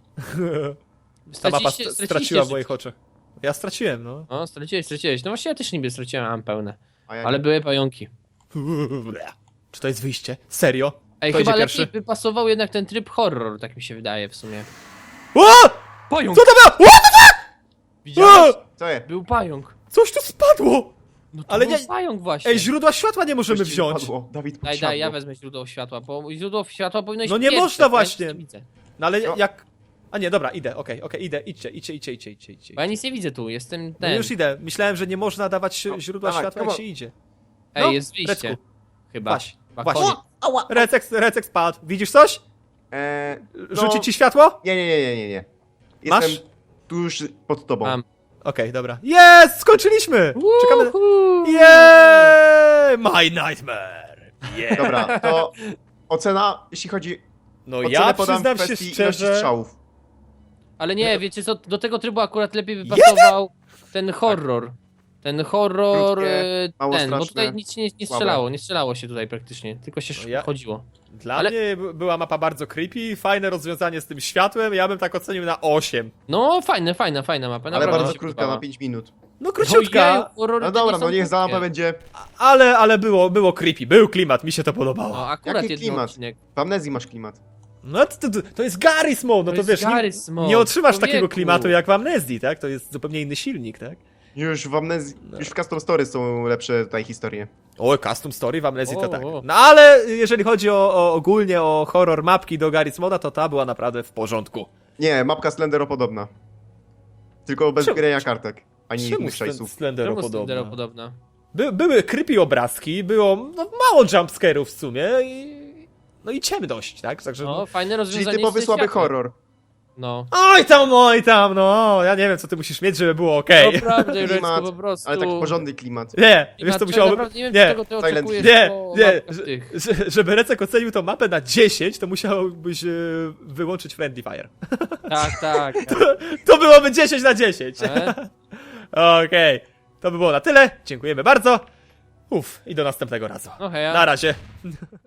[SPEAKER 1] Ta mapa
[SPEAKER 3] Straciliście-
[SPEAKER 1] st-
[SPEAKER 3] straciliście
[SPEAKER 1] straciła w
[SPEAKER 3] życie.
[SPEAKER 1] moich oczach. Ja straciłem, no.
[SPEAKER 3] O, straciłeś, straciłeś. No właśnie ja też niby straciłem, mam pełne.
[SPEAKER 2] A ja
[SPEAKER 3] Ale
[SPEAKER 2] nie.
[SPEAKER 3] były pająki.
[SPEAKER 1] Czy to jest wyjście? Serio?
[SPEAKER 3] Ej,
[SPEAKER 1] Kto
[SPEAKER 3] chyba
[SPEAKER 1] idzie
[SPEAKER 3] lepiej
[SPEAKER 1] pierwszy?
[SPEAKER 3] by pasował jednak ten tryb horror, tak mi się wydaje w sumie.
[SPEAKER 1] O!
[SPEAKER 3] Pająk!
[SPEAKER 1] Co to było? What the fuck?
[SPEAKER 3] Widziałeś?
[SPEAKER 1] O!
[SPEAKER 2] Co je?
[SPEAKER 3] Był pająk.
[SPEAKER 1] Coś tu spadło!
[SPEAKER 3] No to
[SPEAKER 1] Ale
[SPEAKER 3] był
[SPEAKER 1] nie-
[SPEAKER 3] pająk właśnie.
[SPEAKER 1] Ej, źródła światła nie możemy
[SPEAKER 2] Coś ci
[SPEAKER 1] wziąć.
[SPEAKER 2] wypadło. Dawid,
[SPEAKER 3] Daj,
[SPEAKER 2] podsiadło.
[SPEAKER 3] daj, ja wezmę źródło światła, bo źródło światła powinno iść
[SPEAKER 1] No nie
[SPEAKER 3] pierwsze,
[SPEAKER 1] można
[SPEAKER 3] to ja
[SPEAKER 1] właśnie.
[SPEAKER 3] nic nie widzę.
[SPEAKER 1] No ale
[SPEAKER 2] No.
[SPEAKER 1] jak... A nie, dobra, idę, okej, okej, idę, idźcie, idźcie, idźcie, idźcie, idźcie, idźcie.
[SPEAKER 3] Bo ja nic nie widzę tu, jestem
[SPEAKER 1] No
[SPEAKER 3] ten.
[SPEAKER 1] już idę. Myślałem, że nie można dawać
[SPEAKER 2] No,
[SPEAKER 1] źródła
[SPEAKER 2] dawaj,
[SPEAKER 1] światła, jak
[SPEAKER 2] come
[SPEAKER 1] się idzie.
[SPEAKER 3] Ej,
[SPEAKER 1] No,
[SPEAKER 3] jest wyjście.
[SPEAKER 1] Recku.
[SPEAKER 3] Chyba.
[SPEAKER 1] Właśnie,
[SPEAKER 3] Chyba
[SPEAKER 1] właśnie.
[SPEAKER 3] koniec.
[SPEAKER 1] Recek, Recek spadł. Widzisz coś?
[SPEAKER 2] Eee, no...
[SPEAKER 1] Rzuci ci światło?
[SPEAKER 2] Nie, nie, nie, nie, nie, nie.
[SPEAKER 1] Masz?
[SPEAKER 2] Jestem tuż pod tobą.
[SPEAKER 3] Mam.
[SPEAKER 1] Okej, dobra. Jest! Skończyliśmy! Czekamy...
[SPEAKER 3] Uhu.
[SPEAKER 1] Yeee! My nightmare! Yeah!
[SPEAKER 2] Dobra, to ocena, jeśli chodzi
[SPEAKER 1] No
[SPEAKER 2] o
[SPEAKER 1] ja
[SPEAKER 2] podam
[SPEAKER 1] przyznam
[SPEAKER 2] w
[SPEAKER 1] się
[SPEAKER 2] kwestii ilości
[SPEAKER 1] szczerze...
[SPEAKER 2] strzałów.
[SPEAKER 3] Ale nie, wiecie co, do tego trybu akurat lepiej by pasował ten horror. Ten horror,
[SPEAKER 2] Krótkie,
[SPEAKER 3] e,
[SPEAKER 2] mało
[SPEAKER 3] ten, bo
[SPEAKER 2] straszne,
[SPEAKER 3] tutaj nic się nie, nie
[SPEAKER 2] słabe.
[SPEAKER 3] strzelało, nie strzelało się tutaj praktycznie, tylko się
[SPEAKER 1] No ja-
[SPEAKER 3] chodziło.
[SPEAKER 1] Dla
[SPEAKER 3] Ale-
[SPEAKER 1] mnie b- była mapa bardzo creepy, fajne rozwiązanie z tym światłem, ja bym tak ocenił na osiem.
[SPEAKER 3] No fajne, fajna, fajna mapa,
[SPEAKER 2] Ale
[SPEAKER 3] naprawdę mi
[SPEAKER 2] bardzo
[SPEAKER 3] się
[SPEAKER 2] krótka,
[SPEAKER 3] podobała.
[SPEAKER 2] na pięć minut.
[SPEAKER 1] No króciutka,
[SPEAKER 3] Ojeju, horrory
[SPEAKER 2] No
[SPEAKER 3] to
[SPEAKER 2] dobra,
[SPEAKER 3] nie są
[SPEAKER 2] no niech za
[SPEAKER 3] krótkie.
[SPEAKER 2] mapę będzie...
[SPEAKER 1] ale, ale było, było creepy, był klimat, mi się to podobało.
[SPEAKER 3] No akurat
[SPEAKER 2] Jaki
[SPEAKER 3] jeden
[SPEAKER 2] klimat?
[SPEAKER 3] odcinek.
[SPEAKER 2] W amnezji masz klimat.
[SPEAKER 1] No to, to, to jest Garry's Mode, no to,
[SPEAKER 3] jest
[SPEAKER 1] wiesz, nie,
[SPEAKER 3] Garry's Mode,
[SPEAKER 1] nie otrzymasz
[SPEAKER 3] człowieku.
[SPEAKER 1] takiego klimatu jak w Amnezji, tak? To jest zupełnie inny silnik, tak?
[SPEAKER 2] Już w amnezji,
[SPEAKER 1] No.
[SPEAKER 2] już w Custom Story są lepsze tutaj historie.
[SPEAKER 1] O, custom story w Amnezji to
[SPEAKER 3] O,
[SPEAKER 1] tak.
[SPEAKER 3] o.
[SPEAKER 1] No ale jeżeli chodzi o, o ogólnie o horror mapki do Garry's Moda, to ta była naprawdę w porządku.
[SPEAKER 2] Nie, mapka Slendero podobna. Tylko bez
[SPEAKER 1] Czemu-
[SPEAKER 2] grania kartek, ani
[SPEAKER 1] Czemu
[SPEAKER 2] innych
[SPEAKER 1] Slen-
[SPEAKER 2] szajsów.
[SPEAKER 1] Slendero
[SPEAKER 3] Czemu
[SPEAKER 1] podobna?
[SPEAKER 3] Slendero podobna?
[SPEAKER 1] By, były creepy obrazki, było no, mało jumpscare'ów w sumie i... No i ciemność, tak? Także
[SPEAKER 3] No, fajne
[SPEAKER 2] Czyli
[SPEAKER 3] rozwiązanie
[SPEAKER 2] typowy
[SPEAKER 3] z
[SPEAKER 2] słaby
[SPEAKER 3] światłem.
[SPEAKER 2] horror.
[SPEAKER 3] No.
[SPEAKER 1] Oj tam, oj tam, no. Ja nie wiem, co ty musisz mieć, żeby było okej.
[SPEAKER 3] Naprawdę, Jureczko,
[SPEAKER 2] Klimat,
[SPEAKER 3] po prostu.
[SPEAKER 2] ale taki porządny klimat.
[SPEAKER 1] Nie,
[SPEAKER 3] I
[SPEAKER 1] wiesz co
[SPEAKER 3] na-
[SPEAKER 1] musiałoby...
[SPEAKER 3] naprawdę Nie wiem,
[SPEAKER 1] Nie,
[SPEAKER 3] czego ty
[SPEAKER 2] Silent
[SPEAKER 3] oczekujesz
[SPEAKER 1] nie,
[SPEAKER 3] po
[SPEAKER 1] nie,
[SPEAKER 3] mapkach
[SPEAKER 1] że,
[SPEAKER 3] tych.
[SPEAKER 1] że, żeby Recek ocenił tą mapę na dziesięć, to musiałbyś e, wyłączyć Friendly Fire.
[SPEAKER 3] Tak, tak.
[SPEAKER 1] To byłoby dziesięć na dziesięć.
[SPEAKER 3] E?
[SPEAKER 1] Okej, to by było na tyle. Dziękujemy bardzo. Uff, i do następnego razu.
[SPEAKER 3] No heja.
[SPEAKER 1] Na razie.